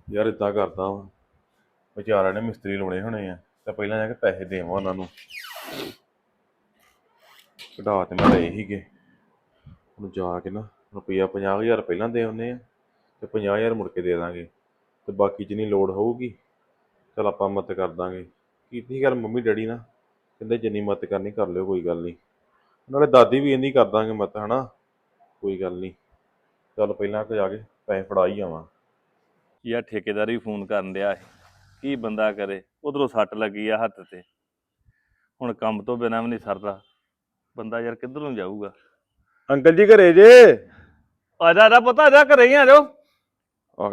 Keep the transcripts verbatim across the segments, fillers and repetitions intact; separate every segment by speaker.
Speaker 1: ਯਾਰ ਇਦਾਂ ਕਰਦਾ ਵਾ, ਵਿਚਾਰਿਆਂ ਨੇ ਮਿਸਤਰੀ ਲਾਉਣੇ ਹੋਣੇ ਆ ਤੇ ਪਹਿਲਾਂ ਜਾ ਕੇ ਪੈਸੇ ਦੇਵਾਂ ਉਹਨਾਂ ਨੂੰ। ਕਢਾ ਤੇ ਮੈਂ ਲਏ ਸੀਗੇ, ਹੁਣ ਜਾ ਕੇ ਨਾ ਰੁਪਈਆ ਪੰਜਾਹ ਹਜ਼ਾਰ ਪਹਿਲਾਂ ਦੇ ਆਉਂਦੇ ਆ ਤੇ ਪੰਜਾਹ ਹਜ਼ਾਰ ਮੁੜ ਕੇ ਦੇ ਦਾਂਗੇ ਤੇ ਬਾਕੀ ਜਿੰਨੀ ਲੋੜ ਹੋਊਗੀ ਚਲ ਆਪਾਂ ਮਦਦ ਕਰ ਦਾਂਗੇ। ਕੀਤੀ ਗੱਲ ਮੰਮੀ ਡੈਡੀ ਨਾਲ, ਕਹਿੰਦੇ ਜਿੰਨੀ ਮਦਦ ਕਰਨੀ ਕਰ ਲਿਓ, ਕੋਈ ਗੱਲ ਨਹੀਂ। ਨਾਲੇ ਦਾਦੀ ਵੀ ਇੰਨੀ ਕਰ ਦਾਂਗੇ ਮਦਦ, ਹਨਾ, ਕੋਈ ਗੱਲ ਨਹੀਂ। ਚੱਲ ਪਹਿਲਾਂ ਕਿ ਜਾ ਕੇ ਪੈਸੇ ਫੜਾ ਹੀ ਆਵਾਂ।
Speaker 2: ਯਾਰ ਠੇਕੇਦਾਰ ਵੀ ਫੋਨ ਕਰਨ ਡਿਆ ਸੀ, ਕੀ ਬੰਦਾ ਕਰੇ, ਉਧਰੋਂ ਸੱਟ ਲੱਗੀ ਆ ਹੱਥ ਤੇ, ਹੁਣ ਕੰਮ ਤੋਂ ਬਿਨਾਂ ਵੀ ਨਹੀਂ ਸਰਦਾ ਬੰਦਾ, ਯਾਰ ਕਿੱਧਰ ਨੂੰ ਜਾਊਗਾ।
Speaker 1: ਅੰਕਲ ਜੀ ਘਰੇ ਜੇ?
Speaker 2: ਆ ਜਾ ਆ ਜਾ ਪੁੱਤ, ਆ ਜਾ, ਘਰੇ ਹੀ ਆ ਜਾਓ।
Speaker 1: ਆ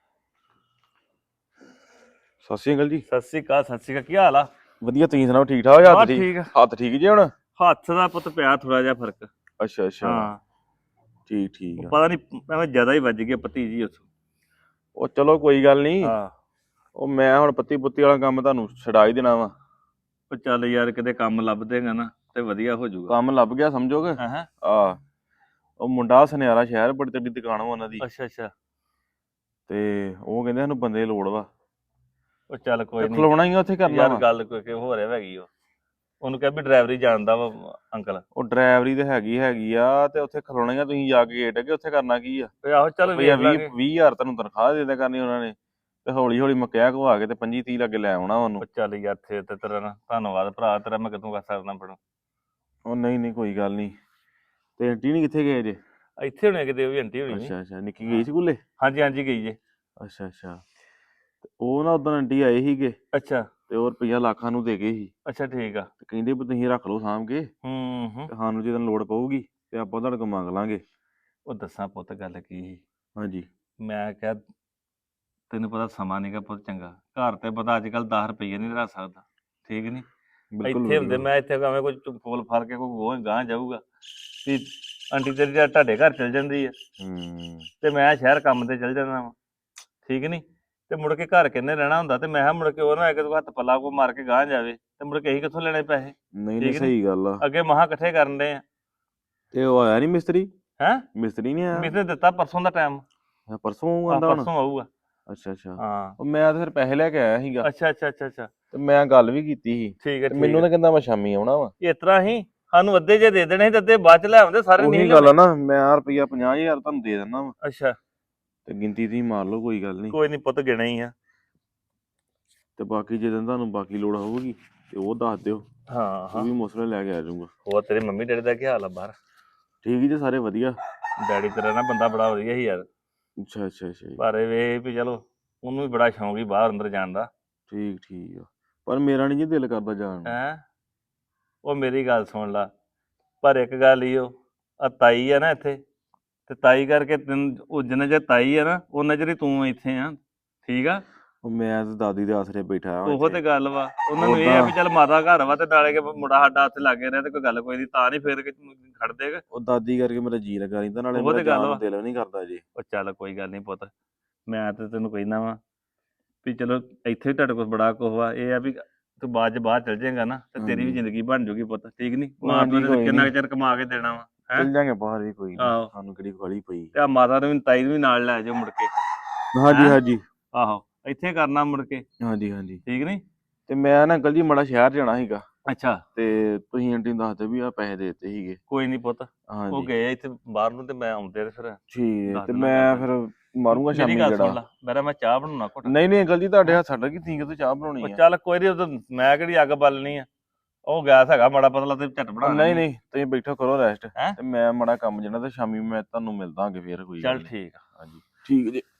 Speaker 1: ਸਤਿ ਸ਼੍ਰੀ ਅਕਾਲ ਜੀ।
Speaker 2: ਸਤਿ ਸ਼੍ਰੀ ਅਕਾਲ। ਸਤਿ ਸ਼੍ਰੀ ਅਕਾਲ, ਕੀ ਹਾਲ ਆ?
Speaker 1: ਵਧੀਆ, ਤੁਸੀਂ ਸੁਣਾਓ? ਠੀਕ ਠਾਕ?
Speaker 2: ਹਾਂ
Speaker 1: ਹੱਥ ਠੀਕ?
Speaker 2: ਠੀਕ ਆ।
Speaker 1: ਹੱਥ ਠੀਕ ਜੇ ਹੁਣ?
Speaker 2: ਹੱਥ ਦਾ ਪੁੱਤ ਪਿਆ ਥੋੜਾ ਜਿਹਾ ਫਰਕ।
Speaker 1: ਅੱਛਾ ਅੱਛਾ,
Speaker 2: ਹਾਂ
Speaker 1: ਠੀਕ ਠੀਕ ਆ।
Speaker 2: ਪਤਾ ਨਹੀਂ ਐਵੇਂ ਜ਼ਿਆਦਾ ਹੀ ਵੱਜ ਗਈ ਭਤੀਜੀ ਉੱਥੋਂ।
Speaker 1: ਉਹ ਚਲੋ ਕੋਈ ਗੱਲ ਨਹੀਂ,
Speaker 2: ਹਾਂ
Speaker 1: ਉਹ ਮੈਂ ਹੁਣ ਪੱਤੀ ਪੁੱਤੀ ਵਾਲਾ ਕੰਮ ਤੁਹਾਨੂੰ ਛਡਾ ਹੀ ਦੇਣਾ ਵਾ।
Speaker 2: ਉਹ ਚੱਲ ਯਾਰ ਕਿਤੇ ਕੰਮ ਲੱਭ ਦੇਗਾ ਨਾ ਤੇ ਵਧੀਆ ਹੋ ਜਾਊਗਾ।
Speaker 1: ਕੰਮ ਲੱਭ ਗਿਆ ਸਮਝੋਗੇ?
Speaker 2: ਹਾਂ ਹਾਂ,
Speaker 1: ਆ ਉਹ ਮੁੰਡਾ ਸੁਨਿਆਰਾ ਸ਼ਹਿਰ, ਬੜੀ ਤੱਡੀ ਦੁਕਾਨ ਵਾ ਉਹਨਾਂ ਦੀ,
Speaker 2: ਅੱਛਾ ਅੱਛਾ।
Speaker 1: ਤੇ ਉਹ ਕਹਿੰਦੇ ਸਾਨੂੰ ਬੰਦੇ ਦੀ ਲੋੜ ਵਾ।
Speaker 2: ਉਹ ਚੱਲ ਕੋਈ ਨਹੀਂ,
Speaker 1: ਖਲੋਣਾ ਹੀ ਆ ਉੱਥੇ, ਕਰਨਾ
Speaker 2: ਯਾਰ
Speaker 1: ਵਾ।
Speaker 2: ਗੱਲ ਕੋਈ ਕਿ ਹੋ ਰਿਹਾ ਹੈਗੀ ਉਹ, ਉਹਨੂੰ ਕਹਿ ਵੀ ਡਰਾਈਵਰੀ ਜਾਣਦਾ ਵਾ ਅੰਕਲ।
Speaker 1: ਉਹ ਡਰਾਈਵਰੀ ਤੇ ਹੈਗੀ ਹੈਗੀ ਆ, ਤੇ ਉੱਥੇ ਖਲੋਣਾ ਹੀ ਆ, ਤੁਸੀਂ ਜਾ ਕੇ ਗੇਟ ਅੱਗੇ ਉੱਥੇ ਕਰਨਾ ਕੀ ਆ?
Speaker 2: ਤੇ ਆਹੋ ਚੱਲ ਵੇਖ
Speaker 1: ਵੀਹ
Speaker 2: ਲਾਂਗੇ।
Speaker 1: ਵੀਹ ਹਜ਼ਾਰ ਤੁਹਾਨੂੰ ਤਨਖਾਹ ਦੇ ਦਿਆ ਕਰਨੀ ਉਹਨਾਂ ਨੇ, ਤੇ ਹੌਲੀ ਹੌਲੀ ਮਕਿਆ ਘਵਾ ਕੇ ਤੇ ਪੰਜੀ ਤੀਹ ਲੱਗੇ ਲੈ ਆਉਣਾ ਉਹਨੂੰ।
Speaker 2: ਉਹ ਚੱਲ ਯਾਰ ਥੇ ਤੇ ਤੇਰਾ ਨਾ ਧੰਨਵਾਦ ਭਰਾ ਤੇਰਾ, ਮੈਂ ਕਿਦੋਂ ਕਰ ਸਕਦਾ ਪੜੋ।
Speaker 1: ਉਹ ਨਹੀਂ ਨਹੀਂ ਕੋਈ ਗੱਲ ਨਹੀਂ। ਤੇ ਆਂਟੀ ਨਹੀਂ ਕਿੱਥੇ ਗਏ ਜੇ?
Speaker 2: ਇੱਥੇ ਹੋਣੇ ਕਿਤੇ, ਉਹ ਵੀ ਆਂਟੀ ਹੋਣੀ।
Speaker 1: ਅੱਛਾ ਅੱਛਾ, ਨਿੱਕੀ ਗਈ ਸਕੂਲੇ?
Speaker 2: ਹਾਂਜੀ ਹਾਂਜੀ ਗਈ ਜੇ।
Speaker 1: ਅੱਛਾ ਅੱਛਾ, ਤੇ ਉਹ ਨਾ ਉਦੋਂ ਆਂਟੀ ਆਏ ਸੀਗੇ,
Speaker 2: ਅੱਛਾ
Speaker 1: ਤੇ ਉਹ ਰੁਪਈਆ ਲੱਖਾਂ ਨੂੰ ਦੇ ਗਏ ਸੀ,
Speaker 2: ਅੱਛਾ ਠੀਕ ਆ।
Speaker 1: ਤੇ ਕਹਿੰਦੇ ਵੀ ਤੁਸੀਂ ਰੱਖ ਲਓ ਸਾਂਭ ਕੇ,
Speaker 2: ਹੂੰ ਹੂੰ।
Speaker 1: ਤੇ ਸਾਨੂੰ ਜਦੋਂ ਲੋੜ ਪਊਗੀ ਤੇ ਆਪਾਂ ਤੁਹਾਡੇ ਕੋਲ ਮੰਗ ਲਾਂਗੇ।
Speaker 2: ਉਹ ਦੱਸਾਂ ਪੁੱਤ ਗੱਲ ਕੀ ਸੀ,
Speaker 1: ਹਾਂਜੀ।
Speaker 2: ਮੈਂ ਕਿਹਾ ਤੈਨੂੰ ਪਤਾ ਸਮਾਂ ਨੀਗਾ ਪੁੱਤ ਚੰਗਾ, ਘਰ ਤੇ ਬੰਦਾ ਅੱਜ ਕੱਲ੍ਹ ਦਸ ਰੁਪਈਏ ਨਹੀਂ ਰੱਖ ਸਕਦਾ, ਠੀਕ ਨੀ?
Speaker 1: ਬਿਲਕੁਲ
Speaker 2: ਇੱਥੇ ਹੁੰਦੇ
Speaker 1: ਬਿਲਕੁਲ।
Speaker 2: ਮੈਂ ਇੱਥੇ ਭਾਵੇਂ ਕੋਈ ਫੁੱਲ ਫੜ ਕੇ ਕੋਈ ਗੋਹ ਗਾਂਹ ਜਾਊਗਾ ਵੀ ਆਂਟੀ ਤੇਰੀ ਤਾਂ ਤੁਹਾਡੇ ਘਰ ਚਲ ਜਾਂਦੀ ਆ,
Speaker 1: ਹੂੰ।
Speaker 2: ਤੇ ਮੈਂ ਸ਼ਹਿਰ ਕੰਮ ਤੇ ਚਲ ਜਾਂਦਾ ਵਾ, ਠੀਕ ਨੀ? ਤੇ ਮੁੜ ਕੇ ਘਰ ਕਿੰਨੇ ਰਹਿਣਾ ਹੁੰਦਾ, ਤੇ ਮੈਂ ਕਿਹਾ ਮੁੜ ਕੇ ਉਹ ਨਾ ਇੱਕ ਦੋ ਹੱਥ ਪੱਲਾ ਕੋ ਮਾਰ ਕੇ ਗਾਂਹ ਜਾਵੇ, ਤੇ ਮੁੜ ਕੇ ਅਸੀਂ ਕਿੱਥੋਂ ਲੈਣੇ ਪੈਸੇ?
Speaker 1: ਨਹੀਂ ਨਹੀਂ
Speaker 2: ਠੀਕ ਨੀ?
Speaker 1: ਸਹੀ ਗੱਲ ਆ।
Speaker 2: ਅੱਗੇ ਮਹਾਂ ਇਕੱਠੇ ਕਰਨ ਦੇ ਆ।
Speaker 1: ਤੇ ਉਹ ਆਇਆ ਨਹੀਂ ਮਿਸਤਰੀ?
Speaker 2: ਹੈਂ?
Speaker 1: ਮਿਸਤਰੀ ਨਹੀਂ ਆਇਆ?
Speaker 2: ਮਿਸਨੇ ਦਿੱਤਾ ਪਰਸੋਂ ਦਾ ਟਾਈਮ।
Speaker 1: ਅੱਛਾ, ਪਰਸੋਂ
Speaker 2: ਆਹ
Speaker 1: ਆਉਂਦਾ ਹੁਣ?
Speaker 2: ਪਰਸੋਂ ਆਊਗਾ।
Speaker 1: ਅੱਛਾ ਅੱਛਾ।
Speaker 2: ਹਾਂ।
Speaker 1: ਉਹ ਮੈਂ ਤਾਂ ਫਿਰ ਪੈਸੇ ਲੈ ਕੇ ਆਇਆ ਸੀਗਾ,
Speaker 2: ਅੱਛਾ ਅੱਛਾ ਅੱਛਾ ਅੱਛਾ।
Speaker 1: ਤੇ ਮੈਂ ਗੱਲ ਵੀ ਕੀਤੀ ਸੀ,
Speaker 2: ਠੀਕ ਹੈ
Speaker 1: ਤੇ
Speaker 2: ਠੀਕ
Speaker 1: ਮੈਨੂੰ
Speaker 2: ਹੈ।
Speaker 1: ਤਾਂ ਕਹਿੰਦਾ ਮੈਂ ਸ਼ਾਮੀ ਆਉਣਾ ਵਾ।
Speaker 2: ਇਸ ਤਰ੍ਹਾਂ ਹੀ ਸਾਨੂੰ ਅੱਧੇ ਜੇ ਦੇ ਦੇਣੇ ਸੀ, ਤੇ ਅੱਧੇ ਬਾਅਦ ਚ ਲੈ ਆਉਂਦੇ, ਸਾਰੇ ਨਹੀਂ
Speaker 1: ਉਹੀ ਗੱਲ ਆ
Speaker 2: ਲੈਣੇ।
Speaker 1: ਨਾ, ਮੈਂ ਆਹ ਰੁਪਈਆ ਪੰਜਾਹ ਹਜ਼ਾਰ ਤੁਹਾਨੂੰ ਦੇ ਦਿੰਦਾ ਵਾ,
Speaker 2: ਅੱਛਾ
Speaker 1: ਤੇ ਗਿਣਤੀ ਤੁਸੀਂ ਮਾਰ ਲਓ, ਕੋਈ ਗੱਲ ਨਹੀਂ।
Speaker 2: ਕੋਈ ਨਹੀਂ ਪੁੱਤ, ਗਿਣੇ ਹੀ ਆ।
Speaker 1: ਤੇ ਬਾਕੀ ਜਦੋਂ ਤੁਹਾਨੂੰ ਬਾਕੀ ਲੋੜ ਹੋਊਗੀ ਤੇ ਉਹ ਦੱਸ ਦਿਓ,
Speaker 2: ਹਾਂ
Speaker 1: ਉਹ
Speaker 2: ਹਾਂ।
Speaker 1: ਵੀ ਮਸਲੇ ਲੈ ਕੇ ਆ ਜਾਊਗਾ।
Speaker 2: ਹੋਰ ਤੇਰੇ ਮੰਮੀ ਡੈਡੀ ਦਾ ਕੀ ਹਾਲ ਆ ਬਾਹਰ?
Speaker 1: ਠੀਕ ਹੀ ਜੇ, ਸਾਰੇ ਵਧੀਆ।
Speaker 2: ਡੈਡੀ ਤੇਰਾ ਨਾ ਬੰਦਾ ਬੜਾ ਵਧੀਆ ਸੀ ਯਾਰ,
Speaker 1: ਅੱਛਾ ਅੱਛਾ ਅੱਛਾ ਜੀ।
Speaker 2: ਪਰ ਇਹ ਵੀ ਚਲੋ ਉਹਨੂੰ ਵੀ ਬੜਾ ਸ਼ੌਂਕ ਸੀ ਬਾਹਰ ਅੰਦਰ ਜਾਣ ਦਾ।
Speaker 1: ਠੀਕ ਠੀਕ ਆ, ਪਰ ਮੇਰਾ ਨਹੀਂ ਜੀ ਦਿਲ ਕਰਦਾ ਜਾਣ ਨੂੰ।
Speaker 2: ਹੈਂ? ਉਹ ਮੇਰੀ ਗੱਲ ਸੁਣ ਲਾ, ਪਰ ਇੱਕ ਗੱਲ ਹੀ, ਉਹ ਆ ਤਾਈ ਆ ਨਾ ਇੱਥੇ, ਤੇ ਤਾਈ ਕਰਕੇ ਤੈਨੂੰ ਉਹ ਜਿੰਨਾ ਚਿਰ ਤਾਈ ਆ ਨਾ ਉਹਨਾਂ ਚਿਰ ਹੀ ਤੂੰ ਇੱਥੇ ਆ, ਠੀਕ ਆ?
Speaker 1: ਉਹ ਮੈਂ ਤੇ ਦਾਦੀ ਦੇ ਆਸਰੇ ਬੈਠਾ ਹਾਂ
Speaker 2: ਉਹੋ
Speaker 1: ਇੱਥੇ।
Speaker 2: ਤੇ ਗੱਲ ਵਾ, ਉਹਨਾਂ ਨੂੰ ਇਹ ਆ
Speaker 1: ਉਦਾਂ
Speaker 2: ਵੀ ਚੱਲ ਮਾਤਾ ਘਰ ਵਾ, ਤੇ ਨਾਲੇ ਕਿ ਮੁੰਡਾ ਸਾਡਾ ਉੱਥੇ ਲਾਗੇ ਰਿਹਾ, ਤੇ ਕੋਈ ਗੱਲ ਕੋਈ ਨਹੀਂ, ਤਾਂ ਨਹੀਂ ਫੇਰ ਕੇ ਖੜ ਦੇਗਾ।
Speaker 1: ਉਹ ਦਾਦੀ ਕਰਕੇ ਮੇਰਾ ਜੀ ਲੱਗਾ ਰਹਿੰਦਾ, ਨਾਲੇ
Speaker 2: ਉਹੋ
Speaker 1: ਮੇਰਾ
Speaker 2: ਤੇ ਗੱਲ
Speaker 1: ਜਾਣ
Speaker 2: ਵਾ।
Speaker 1: ਨੂੰ ਦਿਲ ਨਹੀਂ ਕਰਦਾ ਜੀ।
Speaker 2: ਉਹ ਚੱਲ ਕੋਈ ਗੱਲ ਨਹੀਂ ਪੁੱਤ, ਮੈਂ ਤੇ ਤੈਨੂੰ ਕਹਿੰਦਾ ਵਾ ਵੀ ਚਲੋ ਇੱਥੇ ਵੀ ਤੁਹਾਡੇ ਕੋਲ ਬੜਾ ਕੁਛ ਵਾ, ਇਹ ਆ ਵੀ ਤੂੰ ਬਾਅਦ ਚ ਬਾਹਰ ਚਲ ਜਾਏਗਾ ਨਾ, ਤੇ ਤੇਰੀ ਵੀ
Speaker 1: ਹਾਂਜੀ।
Speaker 2: ਜ਼ਿੰਦਗੀ ਬਣ ਜੂਗੀ ਪੁੱਤ, ਠੀਕ ਨੀ?
Speaker 1: ਉਹ
Speaker 2: ਮਾਂ ਪਿਓ
Speaker 1: ਹਾਂਜੀ
Speaker 2: ਨੇ
Speaker 1: ਕੋਈ
Speaker 2: ਕਿੰਨਾ
Speaker 1: ਨਹੀਂ,
Speaker 2: ਕੁ ਚਿਰ ਕਮਾ ਕੇ ਦੇਣਾ ਵਾ, ਹੈਂ?
Speaker 1: ਚੱਲ ਜਾਂਗੇ ਬਾਹਰ ਵੀ, ਕੋਈ ਨਹੀਂ,
Speaker 2: ਆਹੋ।
Speaker 1: ਸਾਨੂੰ ਕਿਹੜੀ ਗਾਲੀ ਪਈ।
Speaker 2: ਤੇ ਆ ਮਾਤਾ ਨੂੰ ਵੀ ਤਾਈ ਨੂੰ ਵੀ ਨਾਲ ਲੈ ਜਾਓ ਮੁੜ ਕੇ।
Speaker 1: ਹਾਂਜੀ
Speaker 2: ਹੈਂ?
Speaker 1: ਹਾਂਜੀ।
Speaker 2: ਆਹੋ, ਇੱਥੇ ਕਰਨਾ ਮੁੜ ਕੇ,
Speaker 1: ਹਾਂਜੀ ਹਾਂਜੀ।
Speaker 2: ਠੀਕ ਨੀ?
Speaker 1: ਤੇ ਮੈਂ ਨਾ ਅੰਕਲ ਜੀ ਮਾੜਾ ਸ਼ਹਿਰ ਜਾਣਾ ਸੀਗਾ,
Speaker 2: ਅੱਛਾ
Speaker 1: ਤੇ ਤੁਸੀਂ ਆਂਟੀ ਨੂੰ ਦੱਸ ਦਿਓ ਵੀ ਆ ਪੈਸੇ ਦੇ ਦਿੱਤੇ ਸੀਗੇ।
Speaker 2: ਕੋਈ ਨਹੀਂ ਪੁੱਤ, ਉਹ
Speaker 1: ਹਾਂਜੀ
Speaker 2: ਗਏ ਆ ਇੱਥੇ ਬਾਹਰ ਨੂੰ, ਤੇ ਮੈਂ ਆਉਂਦੇ ਤੇ ਫਿਰ
Speaker 1: ਠੀਕ ਹੈ,
Speaker 2: ਦੱਸ
Speaker 1: ਤੇ
Speaker 2: ਦਿੰਦਾ ਗੱਲ
Speaker 1: ਮੈਂ
Speaker 2: ਤੈਨੂੰ।
Speaker 1: ਫਿਰ ਮਾਰੂੰਗਾ
Speaker 2: ਮੇਰੀ
Speaker 1: ਸ਼ਾਮੀ
Speaker 2: ਗੱਲ ਸੁਣ
Speaker 1: ਗੇੜਾ।
Speaker 2: ਲਾ, ਮੇਰਾ ਮੈਂ ਚਾਹ ਬਣਾਉਣਾ ਘੁੱਟ।
Speaker 1: ਨਹੀਂ ਨਹੀਂ ਅੰਕਲ ਜੀ, ਤੁਹਾਡੇ
Speaker 2: ਹੈਂ?
Speaker 1: ਹੱਥ ਛੱਡ ਕੇ ਤੁਸੀਂ ਕਿਤੋਂ ਚਾਹ
Speaker 2: ਉਹ
Speaker 1: ਬਣਾਉਣੀ ਆ?
Speaker 2: ਚੱਲ ਕੋਈ ਨਹੀਂ, ਉਦੋਂ ਮੈਂ ਕਿਹੜੀ ਅੱਗ ਬਾਲਣੀ ਆ, ਉਹ ਗੈਸ ਹੈਗਾ ਮਾੜਾ ਪਤਲਾ, ਤੇ ਝੱਟ
Speaker 1: ਉਹ
Speaker 2: ਬਣਾ
Speaker 1: ਨਹੀਂ
Speaker 2: ਲੈਣੀ ਆ।
Speaker 1: ਨਹੀਂ, ਤੁਸੀਂ ਬੈਠੋ ਕਰੋ ਰੈਸਟ,
Speaker 2: ਹੈਂ?
Speaker 1: ਤੇ ਮੈਂ ਮਾੜਾ ਕੰਮ ਜਣਾ, ਤੇ ਸ਼ਾਮੀ ਮੈਂ ਤੁਹਾਨੂੰ ਮਿਲਦਾਂਗੇ ਫੇਰ, ਕੋਈ ਗੱਲ
Speaker 2: ਚੱਲ
Speaker 1: ਨਹੀਂ।
Speaker 2: ਠੀਕ ਆ।
Speaker 1: ਹਾਂਜੀ ਠੀਕ ਜੀ।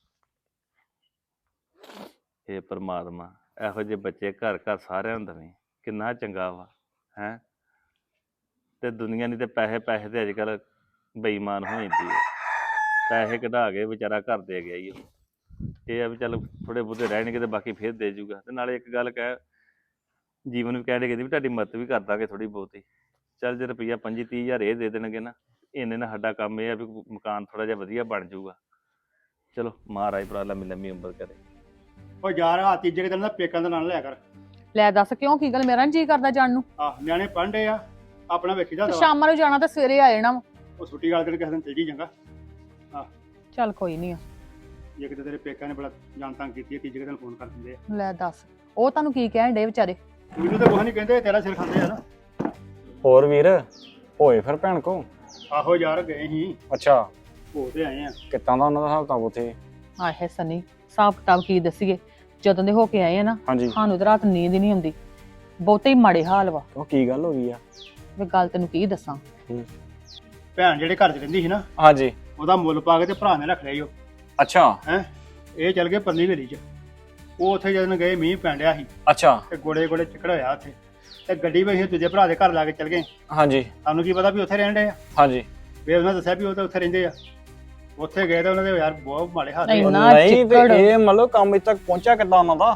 Speaker 2: ਹੇ ਪਰਮਾਤਮਾ, ਇਹੋ ਜਿਹੇ ਬੱਚੇ ਘਰ ਘਰ ਸਾਰਿਆਂ ਨੂੰ ਦੇਵੇਂ, ਕਿੰਨਾ ਚੰਗਾ ਵਾ, ਹੈਂ? ਤੇ ਦੁਨੀਆ ਨਹੀਂ ਤੇ ਪੈਸੇ ਪੈਸੇ ਤੇ ਅੱਜ ਕੱਲ੍ਹ ਬੇਈਮਾਨ ਹੋ ਜਾਂਦੀ ਹੈ, ਪੈਸੇ ਕਢਾ ਕੇ ਵਿਚਾਰਾ ਘਰ ਦੇ ਗਿਆ ਹੀ ਉਹ। ਇਹ ਆ ਵੀ ਚੱਲ ਥੋੜੇ ਬਹੁਤੇ ਰਹਿਣਗੇ, ਤੇ ਬਾਕੀ ਫੇਰ ਦੇ ਜੂਗਾ। ਤੇ ਨਾਲੇ ਇੱਕ ਗੱਲ ਕਹਿ, ਜੀਵਨ ਵੀ ਕਹਿਣ ਕਹਿੰਦੀ ਵੀ ਤੁਹਾਡੀ ਮਦਦ ਵੀ ਕਰ ਦਾਂਗੇ ਥੋੜੀ ਬਹੁਤੀ। ਚੱਲ ਜੇ ਰੁਪਈਆ ਪੰਜੀ ਤੀਹ ਹਜ਼ਾਰ ਇਹ ਦੇ ਦੇਣਗੇ ਨਾ, ਇੰਨੇ ਨਾਲ ਸਾਡਾ ਕੰਮ ਇਹ ਆ ਵੀ ਮਕਾਨ ਥੋੜਾ ਜਿਹਾ ਵਧੀਆ ਬਣ ਜਾਊਗਾ। ਚਲੋ ਮਹਾਰਾਜ ਭਰਾ ਲੰਮੀ ਲੰਮੀ ਉਮਰ ਕਰੇ।
Speaker 3: ਉਹ ਯਾਰ ਆ ਤੀਜੇ ਕੁ ਦਿਨ ਦਾ ਪੇਕਾਂ ਦਾ ਨਾਂ ਨਾ ਲਿਆ ਕਰ।
Speaker 4: ਲੈ ਦੱਸ ਕਿਉਂ, ਕੀ ਗੱਲ? ਮੇਰਾ ਨੀ ਜੀ ਕਰਦਾ ਜਾਣ ਨੂੰ।
Speaker 3: ਆਹ ਨਿਆਣੇ ਪੜ੍ਹਦੇ ਆ, ਆਪਣਾ ਵੇਖੀ
Speaker 4: ਤੇ
Speaker 3: ਜਾਂਦਾ ਵਾ।
Speaker 4: ਸ਼ਾਮਾਂ ਨੂੰ ਜਾਣਾ ਤਾਂ ਸਵੇਰੇ ਆ ਜਾਣਾ ਵਾ।
Speaker 3: ਉਹ ਛੁੱਟੀ ਵਾਲੇ ਦਿਨ ਕਿਸੇ ਦਿਨ ਚਲ ਜੀ ਚੰਗਾ।
Speaker 4: ਚੱਲ ਕੋਈ ਨਹੀਂ ਆ।
Speaker 3: ਜੇ ਕਿਤੇ ਤੇਰੇ ਪੇਕਿਆਂ ਨੇ ਬੜਾ ਜਾਣ ਤੰਗ ਕੀਤੀ ਹੈ ਤੀਜੇ ਕੁ ਦਿਨ ਫੋਨ ਕਰ ਦਿੰਦੇ ਆ।
Speaker 4: ਲੈ ਦੱਸ ਉਹ ਤੁਹਾਨੂੰ ਕੀ ਕਹਿਣ ਡੇ ਵਿਚਾਰੇ?
Speaker 3: ਮੈਨੂੰ ਤਾਂ ਕੁਛ ਨਹੀਂ ਕਹਿੰਦੇ, ਤੇਰਾ ਸਿਰ ਖਾਂਦੇ ਆ ਨਾ।
Speaker 5: ਹੋਰ ਵੀਰ ਹੋਏ ਫਿਰ ਭੈਣ ਕੋ?
Speaker 3: ਆਹੋ ਯਾਰ ਗਏ ਸੀ,
Speaker 5: ਅੱਛਾ,
Speaker 3: ਹੋ ਤੇ ਆਏ ਆ।
Speaker 5: ਕਿੱਦਾਂ ਦਾ ਉਹਨਾਂ ਦਾ ਹਿਸਾਬ ਕਿਤਾਬ ਉੱਥੇ?
Speaker 4: ਆਹੇ ਸਨੀ ਹਿਸਾਬ ਕਿਤਾਬ ਕੀ ਦੱਸੀਏ, ਜਦੋਂ ਦੇ ਹੋ ਕੇ ਆਏ ਆ ਨਾ
Speaker 5: ਹਾਂਜੀ,
Speaker 4: ਸਾਨੂੰ ਤਾਂ ਰਾਤ ਨੀਂਦ ਹੀ ਨਹੀਂ ਆਉਂਦੀ, ਬਹੁਤੇ ਹੀ ਮਾੜੇ ਹਾਲ ਵਾ।
Speaker 5: ਉਹ ਕੀ ਗੱਲ ਹੋ ਗਈ ਆ?
Speaker 4: ਵੀ ਗੱਲ ਤੈਨੂੰ ਕੀ ਦੱਸਾਂ।
Speaker 3: ਭੈਣ ਜਿਹੜੇ ਘਰ 'ਚ ਰਹਿੰਦੀ ਸੀ ਨਾ,
Speaker 5: ਹਾਂਜੀ,
Speaker 3: ਉਹਦਾ ਮੁੱਲ ਪਾ ਕੇ ਤੇ ਭਰਾ ਨੇ ਰੱਖ ਲਿਆ ਈ ਉਹ।
Speaker 5: ਅੱਛਾ
Speaker 3: ਹੈ ਇਹ ਚੱਲ ਗਏ ਪਰਲੀ ਹਵੇਲੀ 'ਚ। ਉਹ ਉੱਥੇ ਜਦੋਂ ਗਏ ਮੀਂਹ ਪੈਣ ਡਿਆ ਸੀ
Speaker 5: ਅੱਛਾ,
Speaker 3: ਤੇ ਗੋੜੇ ਗੋੜੇ ਚਿੱਕੜ ਹੋਇਆ ਉੱਥੇ, ਤੇ ਗੱਡੀ ਵਿੱਚ ਅਸੀਂ ਦੂਜੇ ਭਰਾ ਦੇ ਘਰ ਲਾ ਕੇ ਚੱਲ ਗਏ।
Speaker 5: ਹਾਂਜੀ
Speaker 3: ਸਾਨੂੰ ਕੀ ਪਤਾ ਵੀ ਉੱਥੇ ਰਹਿਣ ਡੇ ਆ,
Speaker 5: ਹਾਂਜੀ।
Speaker 3: ਵੀ ਉਹਨਾਂ ਦੱਸਿਆ ਵੀ ਉਹ ਤਾਂ ਉੱਥੇ ਰਹਿੰਦੇ ਆ। ਉੱਥੇ ਗਏ ਤਾਂ ਉਹਨਾਂ ਦੇ ਯਾਰ ਬਹੁਤ ਮਾੜੇ ਹਾਲ
Speaker 4: ਨਹੀਂ।
Speaker 3: ਹੋਏ।
Speaker 4: ਇੰਨਾ
Speaker 5: ਨਹੀਂ ਤੇ
Speaker 4: ਚਿੱਕੜ।
Speaker 5: ਇਹ ਮਤਲਬ ਕੰਮ ਇੱਥੇ ਤੱਕ ਪਹੁੰਚਿਆ ਕਿੱਦਾਂ ਉਹਨਾਂ ਦਾ?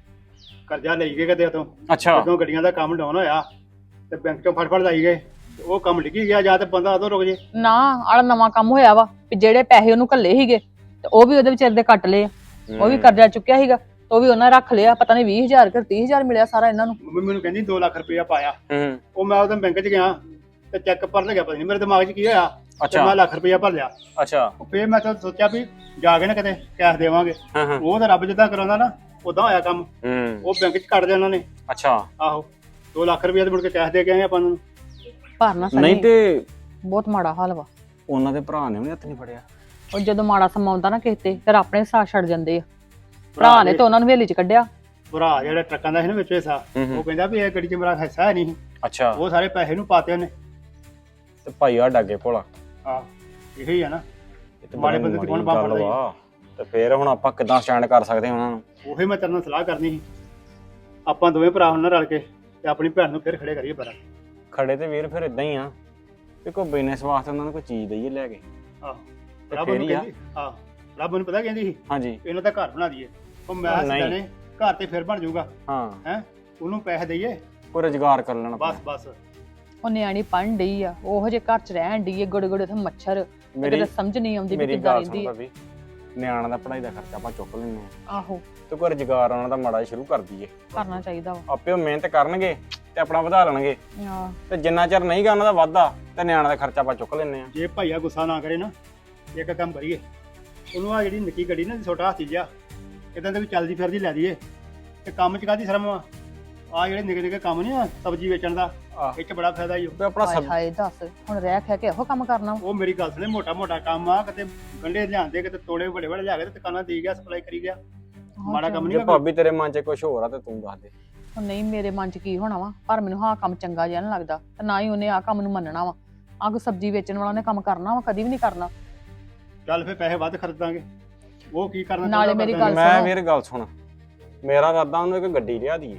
Speaker 3: ਕਰਜ਼ਾ ਲਈ ਗਏ ਕਦੇ ਤੋਂ,
Speaker 5: ਅੱਛਾ,
Speaker 3: ਜਦੋਂ ਗੱਡੀਆਂ ਦਾ ਕੰਮ ਡਾਊਨ ਹੋਇਆ ਤੇ ਬੈਂਕ ਚੋਂ ਫੜ ਫੜ ਲਾਈ ਗਏ, ਤੇ ਉਹ ਕੰਮ ਡਿੱਗੀ ਗਿਆ ਜਾਂ ਤੇ ਬੰਦਾ ਉਦੋਂ ਰੁਕ ਜੇ।
Speaker 4: ਨਾ ਆਲਾ ਨਵਾਂ ਕੰਮ ਹੋਇਆ ਵਾ ਵੀ ਜਿਹੜੇ ਪੈਸੇ ਉਹਨੂੰ ਘੱਲੇ ਸੀਗੇ ਤੇ ਉਹ ਵੀ ਉਹਦੇ ਵਿਚਾਰੇ ਦੇ ਕੱਟ ਲਏ ਆ। ਉਹ ਵੀ ਕਰਜ਼ਾ ਚੁੱਕਿਆ ਸੀਗਾ ਤੇ ਉਹ ਵੀ ਉਹਨਾਂ ਰੱਖ ਲਿਆ। ਪਤਾ ਨਹੀਂ ਵੀਹ ਹਜ਼ਾਰ ਕਿ ਤੀਹ ਹਜ਼ਾਰ ਮਿਲਿਆ ਸਾਰਾ ਇਹਨਾਂ ਨੂੰ।
Speaker 3: ਮੰਮੀ ਮੈਨੂੰ ਕਹਿੰਦੀ ਦੋ ਲੱਖ ਰੁਪਇਆ ਪਾਇਆ।
Speaker 5: ਹੂੰ,
Speaker 3: ਉਹ ਮੈਂ ਉਦੋਂ ਬੈਂਕ 'ਚ ਗਿਆ ਤੇ ਚੈੱਕ ਭਰਨ ਲੱਗਿਆ, ਪਤਾ ਨਹੀਂ ਮੇਰੇ ਦਿਮਾਗ 'ਚ ਕੀ ਹੋਇਆ ਤੇ
Speaker 5: ਅੱਛਾ
Speaker 3: ਮੈਂ ਲੱਖ ਰੁਪਇਆ ਭਰ ਲਿਆ।
Speaker 5: ਅੱਛਾ,
Speaker 3: ਉਹ ਫੇਰ ਮੈਂ ਤਾਂ ਸੋਚਿਆ ਵੀ ਜਾ ਕੇ ਨਾ ਕਿਤੇ ਕੈਸ਼ ਦੇਵਾਂਗੇ।
Speaker 5: ਹਾਂ ਹਾਂ,
Speaker 3: ਉਹ ਤਾਂ ਰੱਬ ਜਿੱਦਾਂ ਕਰਾਉਂਦਾ ਨਾ ਉਦਾਂ ਹੋਇਆ ਕੰਮ।
Speaker 5: ਹੂੰ,
Speaker 3: ਉਹ ਬੈਂਕ 'ਚ ਕੱਟ ਲਿਆ ਉਹਨਾਂ ਨੇ।
Speaker 5: ਅੱਛਾ।
Speaker 3: ਆਹੋ ਦੋ ਲੱਖ ਰੁਪਇਆ ਤੇ ਮੁੜ ਕੇ ਕੈਸ਼ ਦੇ ਕੇ ਆਏ ਆਪਾਂ ਨੂੰ।
Speaker 4: ਭਰਨਾ
Speaker 5: ਨਹੀਂ
Speaker 4: ਸਨੀ
Speaker 5: ਤੇ
Speaker 4: ਬਹੁਤ ਮਾੜਾ ਹਾਲ ਵਾ।
Speaker 5: ਉਹਨਾਂ ਦੇ ਭਰਾ ਨੇ ਵੀ ਹੱਥ ਨਹੀਂ ਫੜਿਆ?
Speaker 4: ਉਹ ਜਦੋਂ ਮਾੜਾ ਸਮਾਂ ਆਉਂਦਾ ਨਾ ਕਿਸੇ ਤੇ ਫਿਰ ਆਪਣੇ ਸਾਥ ਛੱਡ ਜਾਂਦੇ ਆ। ਭਰਾ ਨੇ ਤਾਂ ਉਹਨਾਂ ਨੂੰ ਹਵੇਲੀ ਚ ਕੱਢਿਆ।
Speaker 3: ਭਰਾ ਜਿਹੜਾ ਟਰੱਕਾਂ ਦਾ ਸੀ ਨਾ ਵਿੱਚ ਹਿੱਸਾ,
Speaker 5: ਹੂੰ ਹੂੰ,
Speaker 3: ਉਹ ਕਹਿੰਦਾ ਵੀ ਇਹ ਗੱਡੀ 'ਚ ਮੇਰਾ ਹਿੱਸਾ ਹੈ ਨਹੀਂ।
Speaker 5: ਅੱਛਾ।
Speaker 3: ਉਹ ਸਾਰੇ ਪੈਸੇ ਨੂੰ ਪਾਤੇ ਉਹਨੇ।
Speaker 5: ਤੇ ਭਾਈ ਆ ਡਾਗੇ ਭੋਲਾ,
Speaker 3: ਆਹ ਇਹੋ ਹੀ ਆ ਨਾ।
Speaker 5: ਇਹ ਤੇ
Speaker 3: ਮਾੜੇ
Speaker 5: ਬੜੀ
Speaker 3: ਬੰਦੇ ਦੀ ਕੌਣ
Speaker 5: ਮਾੜੀ
Speaker 3: ਬਾਂਹ
Speaker 5: ਗੱਲ
Speaker 3: ਫੜਦਾ
Speaker 5: ਵਾ। ਤੇ ਫੇਰ ਹੁਣ ਆਪਾਂ ਕਿੱਦਾਂ ਸਟੈਂਡ ਕਰ ਸਕਦੇ ਹਾਂ ਉਹਨਾਂ ਨੂੰ?
Speaker 3: ਉਹੀ ਮੈਂ ਤੇਰੇ ਨਾਲ ਸਲਾਹ ਕਰਨੀ ਸੀ, ਆਪਾਂ ਦੋਵੇਂ ਭਰਾ ਹੁਣ ਨਾ ਰਲ ਕੇ ਤੇ ਆਪਣੀ ਭੈਣ ਨੂੰ ਫਿਰ ਖੜੇ ਕਰੀਏ ਬਰਾ।
Speaker 5: ਖੜੇ ਤੇ ਵੀਰ ਫਿਰ ਇਦਾਂ ਹੀ ਆ ਵੀ ਕੋਈ ਬਿਜ਼ਨਸ ਵਾਸਤੇ ਉਹਨਾਂ ਨੂੰ ਕੋਈ ਚੀਜ਼ ਦਈਏ ਲੈ ਕੇ।
Speaker 3: ਆਹ
Speaker 5: ਤੇ
Speaker 3: ਰੱਬ
Speaker 5: ਫੇਰ
Speaker 3: ਨੂੰ
Speaker 5: ਹੀ ਆ।
Speaker 3: ਕਹਿੰਦੀ, ਆਹ ਰੱਬ ਨੂੰ ਪਤਾ ਕਹਿੰਦੀ ਸੀ
Speaker 5: ਹਾਂਜੀ,
Speaker 3: ਇਹਨਾਂ ਦਾ ਘਰ ਬਣਾ ਦਈਏ। ਉਹ ਮੈਂ
Speaker 5: ਉਹ ਨਹੀਂ।
Speaker 3: ਸਿੱਧਾ ਨੇ ਘਰ ਤੇ ਫਿਰ ਬਣ ਜਾਊਗਾ
Speaker 5: ਹਾਂ,
Speaker 3: ਹੈ, ਉਹਨੂੰ ਪੈਸੇ ਦਈਏ
Speaker 5: ਕੋਈ ਰੁਜ਼ਗਾਰ ਕਰ ਲੈਣਾ
Speaker 3: ਬਸ ਬਸ।
Speaker 4: ਉਹ ਨਿਆਣੀ ਪੜ੍ਹਨ ਡਈ ਆ, ਉਹੋ ਜੇ ਘਰ ਚ ਰਹਿਣ ਡਈ ਆ, ਗੋੜੇ ਗੋੜੇ ਉੱਥੇ ਮੱਛਰ।
Speaker 5: ਮੇਰੀ
Speaker 4: ਕਿਤੇ ਸਮਝ ਨਹੀਂ ਆਉਂਦੀ ਵੀ
Speaker 5: ਮੇਰੀ
Speaker 4: ਕਿੱਦਾਂ
Speaker 5: ਗੱਲ ਸੁਣ
Speaker 4: ਰਹਿੰਦੀ ਆ।
Speaker 5: ਭਾਬੀ, ਨਿਆਣਾ ਦਾ ਪੜ੍ਹਾਈ ਦਾ ਖਰਚਾ ਆਪਾਂ ਚੁੱਕ ਲੈਂਦੇ ਆ
Speaker 4: ਆਹੋ
Speaker 5: ਤੇ ਕੋਈ ਰੁਜ਼ਗਾਰ ਉਹਨਾਂ ਦਾ ਮਾੜਾ ਜਿਹਾ ਸ਼ੁਰੂ ਕਰ ਦਈਏ।
Speaker 4: ਕਰਨਾ ਚਾਹੀਦਾ ਵਾ।
Speaker 5: ਆਪੇ ਉਹ ਮਿਹਨਤ ਕਰਨਗੇ ਤੇ ਆਪਣਾ ਵਧਾ ਲੈਣਗੇ,
Speaker 4: ਆਹ,
Speaker 5: ਤੇ ਜਿੰਨਾ ਚਿਰ ਨਹੀਂ ਗਾ ਉਹਨਾਂ ਦਾ ਵਾਧਾ ਤੇ ਨਿਆਣਾ ਦਾ ਖਰਚਾ ਆਪਾਂ ਚੁੱਕ ਲੈਂਦੇ ਆ।
Speaker 3: ਜੇ ਭਾਈਆ ਗੁੱਸਾ ਨਾ ਕਰੇ ਨਾ, ਇੱਕ ਕੰਮ ਕਰੀਏ, ਉਹਨੂੰ ਆ ਜਿਹੜੀ ਨਿੱਕੀ ਗੱਡੀ ਨਾ ਛੋਟਾ ਹਾਥੀ ਜਿਹਾ ਇਦਾਂ ਦੇ ਵੀ ਚੱਲਦੀ ਫਿਰਦੀ ਲੈ ਦਈਏ। ਤੇ ਕੰਮ ਚ ਕਾਹਦੀ ਸ਼ਰਮ ਆ? ਆ ਜਿਹੜੇ ਨਿੱਕੇ ਨਿੱਕੇ ਕੰਮ ਨਹੀਂ ਆ ਸਬਜ਼ੀ ਵੇਚਣ ਦਾ,
Speaker 5: ਆਹ,
Speaker 3: ਇਹ ਚ ਬੜਾ ਫਾਇਦਾ ਹੀ।
Speaker 5: ਤੇ ਆਪਣਾ
Speaker 4: ਹਾਏ
Speaker 5: ਸਬ
Speaker 4: ਹਾਏ ਦੱਸ ਹੁਣ ਰਹਿ ਖੈ ਕੇ ਇਹੋ ਕੰਮ ਕਰਨਾ ਵਾ?
Speaker 3: ਉਹ ਮੇਰੀ ਗੱਲ ਸੁਣੇ, ਮੋਟਾ ਮੋਟਾ ਕੰਮ ਆ, ਕਿਤੇ ਗੰਢੇ ਲਿਆਂਦੇ, ਕਿਤੇ ਤੋੜੇ ਵੱਡੇ ਵੱਡੇ ਲਿਆ ਕੇ ਤੇ ਦੁਕਾਨਾਂ ਦੇ ਗਿਆ, ਸਪਲਾਈ ਕਰੀ ਗਿਆ। ਮਾੜਾ ਕੰਮ
Speaker 5: ਜੇ
Speaker 3: ਨਹੀਂ
Speaker 5: ਭਾਬੀ ਤੇਰੇ ਮਨ 'ਚ ਕੁਝ ਹੋਰ ਆ ਤੇ ਤੂੰ ਦੱਸ ਦੇ।
Speaker 4: ਉਹ ਨਹੀਂ ਮੇਰੇ ਮਨ ਚ ਕੀ ਹੋਣਾ ਵਾ, ਪਰ ਮੈਨੂੰ ਹਾਂ ਕੰਮ ਚੰਗਾ ਜਿਹਾ ਨਾ ਲੱਗਦਾ ਤੇ ਨਾ ਹੀ ਉਹਨੇ ਆ ਕੰਮ ਨੂੰ ਮੰਨਣਾ ਵਾ। ਆ ਕੋਈ ਸਬਜ਼ੀ ਵੇਚਣ ਵਾਲਾ ਨੇ ਕੰਮ ਕਰਨਾ ਵਾ? ਕਦੀ ਵੀ ਨਹੀਂ ਕਰਨਾ।
Speaker 3: ਚੱਲ ਫੇ ਪੈਸੇ ਵੱਧ ਖਰਚਾਂਗੇ, ਉਹ ਕੀ ਕਰਨਾ
Speaker 4: ਨਾਲੇ
Speaker 3: ਚਾਹੁੰਦਾ
Speaker 4: ਮੇਰੀ
Speaker 3: ਕਰ
Speaker 4: ਗੱਲ
Speaker 3: ਦਾਂਗੇ।
Speaker 5: ਮੈਂ
Speaker 4: ਸੁਣੋ।
Speaker 5: ਵੀਰ ਗੱਲ ਸੁਣ, ਮੇਰਾ ਇਰਾਦਾ ਉਹਨੂੰ ਇੱਕ ਗੱਡੀ ਲਿਆ ਦਈਏ,